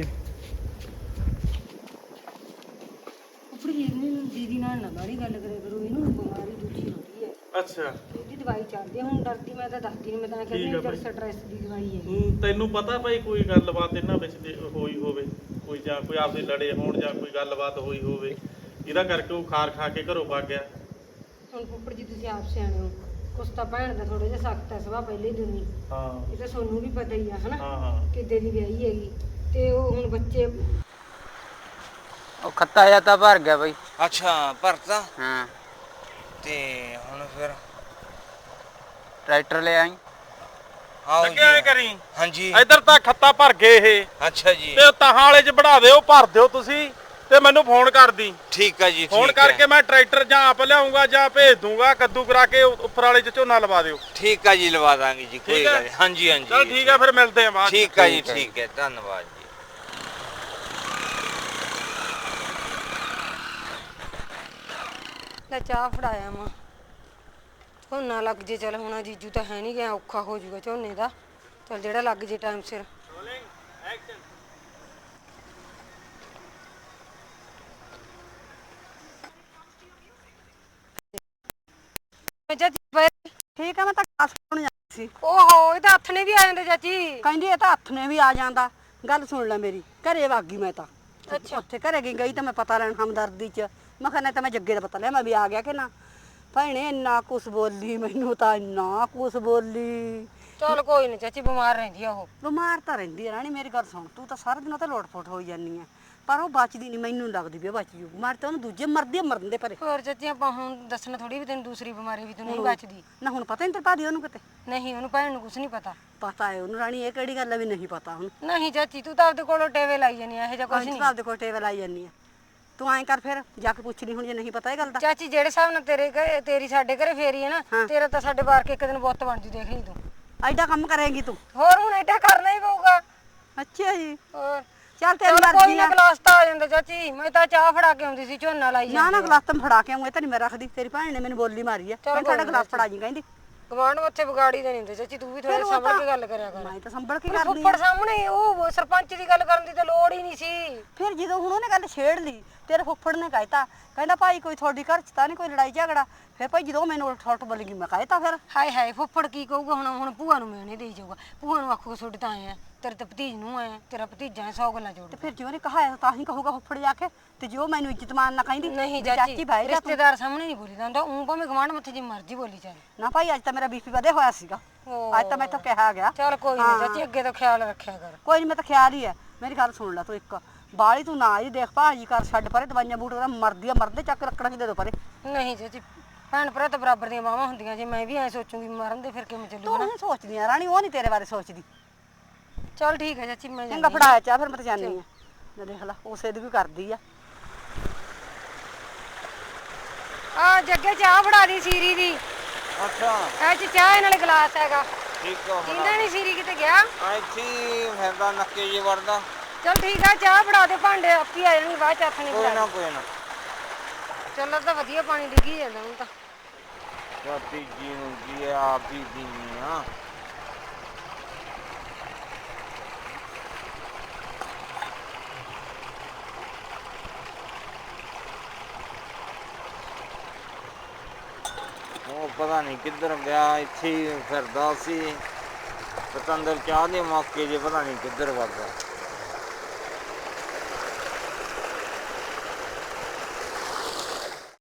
Speaker 1: ਆਪਣੀ ਇਹਨੂੰ ਦੀਦੀ ਨਾਲ ਨਾ ਬਾੜੀ ਗੱਲ ਕਰਿਆ ਕਰੋ, ਇਹਨੂੰ ਬਿਮਾਰੀ ਦੂਜੀ ਹੁੰਦੀ ਹੈ।
Speaker 3: ਅੱਛਾ,
Speaker 1: ਇਹਦੀ ਦਵਾਈ ਚੱਲਦੀ ਹੈ, ਹੁਣ ਡਰਦੀ ਮੈਂ ਤਾਂ ਦੱਸਦੀ ਨਹੀਂ, ਮੈਂ ਤਾਂ ਕਹਿੰਦੀ
Speaker 3: ਠੀਕ ਆ
Speaker 1: ਚਲ
Speaker 3: ਬਾਈ।
Speaker 1: ਸਟ੍ਰੈਸ ਦੀ ਦਵਾਈ ਹੈ।
Speaker 3: ਤੈਨੂੰ ਪਤਾ ਭਾਈ ਕੋਈ ਗੱਲਬਾਤ ਇਹਨਾਂ ਵਿੱਚ ਹੋਈ ਹੋਵੇ, ਕੋਈ ਜਾਂ ਕੋਈ ਆਪਸੇ ਲੜੇ ਹੋਣ ਜਾਂ ਕੋਈ ਗੱਲਬਾਤ ਹੋਈ ਹੋਵੇ, ਇਹਦਾ ਕਰਕੇ ਉਹ ਖਾਰ ਖਾ ਕੇ ਘਰੋਂ ਭੱਗ ਗਿਆ।
Speaker 1: ਹੁਣ ਫੁੱਫੜ ਜੀ ਤੁਸੀਂ ਆਪ ਸਿਆਣੇ ਹੋ, ਕੁਛ ਤਾਂ ਭੈਣ ਦਾ ਥੋੜਾ ਜਿਹਾ ਸਖਤ ਹੈ ਸੁਭਾਅ ਪਹਿਲੇ ਦਿਨ ਹੀ।
Speaker 3: ਹਾਂ
Speaker 1: ਇਹ ਤਾਂ ਤੁਹਾਨੂੰ ਵੀ ਪਤਾ ਹੀ ਆ ਹਨਾ,
Speaker 3: ਹਾਂ ਹਾਂ।
Speaker 1: ਕਿੱਦੇ ਦੀ ਵਿਆਹੀ ਹੈਗੀ। ਤੇ ਉਹ ਹੁਣ ਬੱਚੇ
Speaker 6: ਉਹ ਖੱਤਾ ਜਾਂ ਤਾਂ ਭਰ ਗਿਆ ਬਈ।
Speaker 4: ਅੱਛਾ ਭਰਤਾ।
Speaker 6: ਹਾਂ
Speaker 4: ਤੇ ਹੁਣ ਫਿਰ
Speaker 6: ਟਰੈਕਟਰ ਲੈ ਆਈ।
Speaker 4: ਆਓ
Speaker 3: ਲੱਗੇ ਐ ਕਰੀ,
Speaker 4: ਹਾਂਜੀ।
Speaker 3: ਇੱਧਰ ਤਾਂ ਖੱਤਾ ਭਰ ਗਏ ਇਹ,
Speaker 4: ਅੱਛਾ ਜੀ,
Speaker 3: ਤੇ ਤਾਹਾਂ ਵਾਲੇ ਚ ਵੜਾ ਦਿਓ, ਭਰ ਦਿਓ ਤੁਸੀਂ, ਤੇ ਮੈਨੂੰ ਫੋਨ ਕਰ ਦੀ।
Speaker 4: ਠੀਕ ਆ ਜੀ,
Speaker 3: ਫੋਨ
Speaker 4: ਠੀਕ ਹੈ।
Speaker 3: ਕਰਕੇ ਮੈਂ ਟਰੈਕਟਰ ਜਾਂ ਆਪ ਲਿਆਉਂਗਾ ਜਾਂ ਭੇਜ ਦੂੰਗਾ, ਕੱਦੂ ਕਰਾ ਕੇ ਉੱਪਰ ਵਾਲੇ ਚ ਝੋਨਾ ਲਵਾ ਦਿਓ।
Speaker 4: ਠੀਕ ਆ ਜੀ, ਲਵਾ ਦਾਂਗੇ ਜੀ, ਕੋਈ
Speaker 3: ਠੀਕ ਹੈ?
Speaker 4: ਗੱਲ ਨੀ। ਹਾਂਜੀ ਹਾਂਜੀ।
Speaker 3: ਚਲ ਠੀਕ ਹੈ, ਫਿਰ ਮਿਲਦੇ ਆ ਬਾਅਦ ਚ।
Speaker 4: ਠੀਕ ਆ ਜੀ, ਠੀਕ ਹੈ, ਧੰਨਵਾਦ ਜੀ।
Speaker 1: ਲੈ ਚਾਹ ਫੜਾਇਆ ਮਾਂ, ਝੋਨਾ ਲੱਗ ਜੇ। ਚਲ ਹੁਣ ਜੀਜੂ ਤਾਂ ਹੈ ਨਹੀਂ ਗਿਆ, ਔਖਾ ਹੋ ਜਾਊਗਾ ਝੋਨੇ ਦਾ। ਚਲ ਜਿਹੜਾ ਲੱਗ ਜੇ ਟਾਈਮ ਸਿਰ।
Speaker 5: ਠੀਕ ਆ, ਮੈਂ ਤਾਂ ਖਾਸ ਪਾਉਣ ਜਾਂਦੀ ਸੀ।
Speaker 1: ਓਹੋ, ਇਹ ਤਾਂ ਹੱਥ ਨੇ ਵੀ ਆ ਜਾਂਦੇ ਚਾਚੀ।
Speaker 5: ਕਹਿੰਦੀ ਇਹ ਤਾਂ ਹੱਥ ਨੇ ਵੀ ਆ ਜਾਂਦਾ। ਗੱਲ ਸੁਣ ਲੈ ਮੇਰੀ, ਘਰੇ ਵਗ ਗਈ ਮੈਂ ਤਾਂ।
Speaker 1: ਅੱਛਾ।
Speaker 5: ਉੱਥੇ ਘਰੇ ਗਈ ਤਾਂ ਮੈਂ ਪਤਾ ਲੈਣ ਹਮਦਰਦੀ ਚ। ਮੈਂ ਕਿਹਾ ਨਹੀਂ ਤਾਂ ਮੈਂ ਜੱਗੇ ਦਾ ਪਤਾ ਲਿਆ, ਮੈਂ ਵੀ ਆ ਗਿਆ ਕਿ ਨਾ। ਭੈਣੇ ਇੰਨਾ ਕੁਛ ਬੋਲੀ ਮੈਨੂੰ, ਤਾਂ ਇੰਨਾ ਕੁਛ ਬੋਲੀ।
Speaker 1: ਚਲ ਕੋਈ ਨਹੀਂ ਚਾਚੀ, ਬਿਮਾਰ ਰਹਿੰਦੀ ਆ ਉਹ।
Speaker 5: ਬਿਮਾਰ ਤਾਂ ਰਹਿੰਦੀ ਆ ਰਾਣੀ, ਮੇਰੀ ਗੱਲ ਸੁਣ। ਤੂੰ ਤਾਂ ਸਾਰਾ ਦਿਨ ਉਹ ਤਾਂ ਲੋਟ-ਪੋਟ ਹੋਈ ਜਾਂਦੀ ਆ, ਪਰ ਉਹ ਬਚਦੀ ਨਹੀਂ। ਮੈਨੂੰ ਲੱਗਦੀ ਵੀ ਉਹ ਬਚ ਜੂ। ਮਰ ਤਾਂ ਉਹਨੂੰ ਦੂਜੇ ਮਰਦੇ ਮਰਨ ਦੇ ਪਰੇ।
Speaker 1: ਹੋਰ ਚਾਚੀ ਆਪਾਂ ਹੁਣ ਦੱਸਣਾ ਥੋੜੀ ਵੀ ਤੈਨੂੰ ਦੂਸਰੀ ਬਿਮਾਰੀ ਵੀ ਤੂੰ ਨਹੀਂ ਬਚਦੀ।
Speaker 5: ਨਾ ਹੁਣ ਪਤਾ ਨਹੀਂ ਤੇਰੇ ਭਾਦੀ ਉਹਨੂੰ ਕਿਤੇ।
Speaker 1: ਨਹੀਂ, ਉਹਨੂੰ ਭੈਣ ਨੂੰ ਕੁਝ ਨਹੀਂ ਪਤਾ।
Speaker 5: ਪਤਾ ਹੈ ਉਹਨੂੰ ਰਾਣੀ, ਇਹ ਕਿਹੜੀ ਗੱਲ ਆ ਵੀ ਨਹੀਂ ਪਤਾ ਹੁਣ।
Speaker 1: ਨਹੀਂ ਚਾਚੀ, ਤੂੰ ਤਾਂ ਆਪਦੇ ਕੋਲੋਂ ਟੇਵੇ ਲਾਈ ਜਾਨੀ ਆ, ਇਹੋ ਜਿਹਾ ਕੁਝ
Speaker 5: ਕੁਛ
Speaker 1: ਨਹੀਂ।
Speaker 5: ਨਹੀਂ, ਦੇ ਕੋਲ ਟੇਬਲ ਆਈ ਜਾਂਦੀ ਆ। ਤੂੰ ਐਂ ਕਰ ਫਿਰ ਜਾ ਕੇ ਪੁੱਛ ਲਈ ਹੁਣ, ਜੇ ਨਹੀਂ ਪਤਾ ਇਹ ਗੱਲ ਦਾ।
Speaker 1: ਚਾਚੀ ਜਿਹੜੇ ਹਿਸਾਬ ਨਾਲ ਤੇਰੀ ਸਾਡੇ ਘਰੇ ਫੇਰੀ ਹੈ ਨਾ, ਤੇਰਾ ਤਾਂ ਸਾਡੇ ਬਾਰ ਕੇ ਇੱਕ ਦਿਨ ਬੁੱਤ ਬਣ ਜੂ, ਦੇਖ ਲਈ ਤੂੰ।
Speaker 5: ਐਡਾ ਕੰਮ ਕਰੇਂਗੀ ਤੂੰ?
Speaker 1: ਹੋਰ ਹੁਣ ਐਡਾ ਕਰਨਾ ਹੀ ਪਊਗਾ।
Speaker 5: ਅੱਛਾ ਜੀ,
Speaker 1: ਹੋਰ
Speaker 5: ਚੱਲ ਤੇਰੀ
Speaker 1: ਕੋਈ
Speaker 5: ਮਰਜ਼ੀ
Speaker 1: ਨਾ,
Speaker 5: ਆ।
Speaker 1: ਗਲਾਸ ਤਾਂ ਆ ਜਾਂਦਾ ਚਾਚੀ। ਮੈਂ ਤਾਂ ਚਾਹ ਫੜਾ ਕੇ ਆਉਂਦੀ ਸੀ, ਝੋਨਾ ਲਾਈ
Speaker 5: ਨਾ ਨਾ, ਗਲਾਸ ਤਾਂ ਫੜਾ ਕੇ ਆਉਂ, ਇਹ ਤਾਂ ਨਹੀਂ ਮੈਂ ਰੱਖਦੀ। ਤੇਰੀ ਭੈਣ ਨੇ ਮੈਨੂੰ ਬੋਲੀ ਮਾਰੀ ਆ, ਕਹਿੰਦੀ ਸਾਡਾ ਗਲਾਸ ਫੜਾ ਜੀ, ਕਹਿੰਦੀ।
Speaker 1: ਗਵਾਂਢ ਉੱਥੇ ਵਿਗਾੜੀ ਦੇ ਨਹੀਂ ਹੁੰਦੇ ਚਾਚੀ, ਤੂੰ ਵੀ ਥੋੜਾ ਸੰਭਲ ਕੇ ਗੱਲ ਕਰਿਆ ਕਰ।
Speaker 5: ਮੈਂ ਤਾਂ ਸੰਭਲ ਕੇ ਕਰਦੀ
Speaker 1: ਫੁੱਫੜ ਸਾਹਮਣੇ ਉਹ ਸਰਪੰਚ ਦੀ ਗੱਲ ਕਰਨ ਦੀ ਤਾਂ ਲੋੜ ਹੀ ਨਹੀਂ ਸੀ।
Speaker 5: ਫਿਰ ਜਦੋਂ ਹੁਣ ਉਹਨੇ ਗੱਲ ਛੇੜ ਲਈ, ਤੇਰੇ ਫੁੱਫੜ ਨੇ ਕਹਿਤਾ, ਕਹਿੰਦਾ ਭਾਈ ਕੋਈ ਤੁਹਾਡੀ ਘਰ ਚ ਤਾਂ ਨਹੀਂ ਕੋਈ ਲੜਾਈ ਝਗੜਾ। ਫਿਰ ਭਾਈ ਜਦੋਂ ਮੈਨੂੰ ਉਲਟ ਬੋਲ ਗਈ, ਮੈਂ ਕਹਿਤਾ ਫਿਰ।
Speaker 1: ਹਾਏ ਹਾਏ, ਫੁੱਫੜ ਕੀ ਕਹੂਗਾ ਹੁਣ ਭੂਆ ਨੂੰ ਮਿਹਣੇ ਦੇਈ ਜਾਊਗਾ। ਭੂਆ ਨੂੰ ਆਖੂਗਾ ਛੋਟੇ ਤਾਂ ਆਏ ਆ, ਤੇਰੇ ਤੇ ਭਤੀਜ ਨੂੰ ਆਏ, ਤੇਰਾ ਭਤੀਜਾ 100 ਗੱਲਾਂ ਜੋੜ।
Speaker 5: ਤੇ ਫਿਰ ਜਿਉਂ ਨੇ ਕਹਾਇਆ ਤਾਂ ਹੀ ਕਹੂਗਾ ਫੁੱਫੜ ਜਾ ਕੇ। ਤੇ ਜੋ ਮੈਨੂੰ ਇੱਜ਼ਤ ਮਾਨ ਨਾ ਕਹਿੰਦੀ,
Speaker 1: ਨਹੀਂ
Speaker 5: ਵੀ
Speaker 1: ਚਾਚੀ,
Speaker 5: ਬਾਹਰ ਜਾ ਤੂੰ।
Speaker 1: ਰਿਸ਼ਤੇਦਾਰ ਸਾਹਮਣੇ ਨਹੀਂ ਬੋਲੀਦਾ ਹੁੰਦਾ। ਉਹ ਭਾਵੇਂ ਗਵਾਂਢ ਮੱਥੇ ਜੀ ਮਰਜ਼ੀ ਬੋਲੀ ਚੱਲ।
Speaker 5: ਨਾ ਭਾਈ ਅੱਜ ਤਾਂ ਮੇਰਾ ਬੀਪੀ ਵਧਿਆ ਹੋਇਆ ਸੀਗਾ, ਅੱਜ ਤਾਂ ਮੈਥੋਂ ਕਿਹਾ ਗਿਆ।
Speaker 1: ਚੱਲ ਕੋਈ ਨਹੀਂ ਚਾਚੀ, ਅੱਗੇ ਤੋਂ ਖਿਆਲ ਰੱਖਿਆ ਕਰ।
Speaker 5: ਕੋਈ ਨਹੀਂ, ਮੈਂ ਤਾਂ ਖਿਆਲ ਹੀ ਹੈ। ਮੇਰੀ ਗੱਲ ਸੁਣ ਲੈ ਤੂੰ, ਇੱਕ ਬਾਲੀ ਤੂੰ ਨਾ ਹੀ ਦੇਖ ਭਾਜੀ ਕਰ, ਛੱਡ ਪਰੇ ਦਵਾਈਆਂ ਬੂਟ ਉਹਦਾ ਮਰਦੀ ਆ, ਮਰਦੇ ਚੱਕ ਰੱਖਣਾ ਕਿ ਦੇ ਦੋ ਪਰੇ।
Speaker 1: ਨਹੀਂ ਚਾਚੀ, ਭੈਣ ਭਰਾ ਤਾਂ ਬਰਾਬਰ ਦੀਆਂ ਮਾਵਾਂ ਹੁੰਦੀਆਂ। ਜੇ ਮੈਂ ਵੀ ਐ ਸੋਚੂਗੀ ਮਰਨ ਦੇ, ਫਿਰ ਕਿਵੇਂ ਚੱਲੂਗਾ
Speaker 5: ਤੂੰ
Speaker 1: ਨਾ।
Speaker 5: ਨਹੀਂ ਸੋਚਦੀ ਆ ਰਾਣੀ, ਉਹ ਨਹੀਂ ਤੇਰੇ ਬਾਰੇ ਸੋਚਦੀ।
Speaker 1: ਚੱਲ ਠੀਕ ਹੈ ਚਾਚੀ, ਮੈਂ
Speaker 5: ਚੰਗਾ ਫੜਾਇਆ ਚਾਹ, ਫਿਰ ਮੈਂ ਤਾਂ ਜਾਣੀ ਆ। ਮੈਂ ਦੇਖ ਲਾ ਉਸੇ ਦੀ ਵੀ ਕਰਦੀ ਆ।
Speaker 1: ਆ ਜੱਗੇ ਚਾਹ ਫੜਾ ਦੀ ਸੀਰੀ ਦੀ।
Speaker 4: ਅੱਛਾ
Speaker 1: ਇਹ ਚ ਚਾਹ ਨਾਲੇ ਗਲਾਸ ਹੈਗਾ।
Speaker 4: ਠੀਕ ਆ।
Speaker 1: ਜਿੰਦਾ ਨਹੀਂ ਸੀਰੀ ਕਿਤੇ ਗਿਆ।
Speaker 4: ਇੱਥੇ ਹੀ ਫਿਰਦਾ ਨੱਕੇ ਜੇ ਵੜਦਾ।
Speaker 1: ਚਲ ਠੀਕ ਆ, ਚਾਹ ਫੜਾ ਦੇ, ਭਾਂਡੇ ਆਪੀ ਆ ਜਾਣਗੇ ਬਾਅਦ ਚ ਹੱਥ ਨਹੀਂ
Speaker 4: ਕੋਈ
Speaker 1: ਫੜਾ।
Speaker 4: ਨਾ ਕੋਈ ਨਾ।
Speaker 1: ਚੱਲ ਤਾਂ ਵਧੀਆ ਪਾਣੀ ਡਿੱਗੀ ਜਾਂਦਾ ਹੁਣ ਤਾਂ।
Speaker 4: ਤਾਂ ਤੀਜੀ ਨੂੰ ਕੀ ਹੈ, ਆਪ ਹੀ ਪੀਣੀ ਆ। ਉਹ ਪਤਾ ਨਹੀਂ ਕਿੱਧਰ ਗਿਆ, ਇੱਥੇ ਹੀ ਫਿਰਦਾ ਸੀ ਪਤੰਦਰ ਚਾਹ ਦੇ ਮੌਕੇ ਜੇ ਪਤਾ ਨਹੀਂ ਕਿੱਧਰ ਵਗ ਗਿਆ।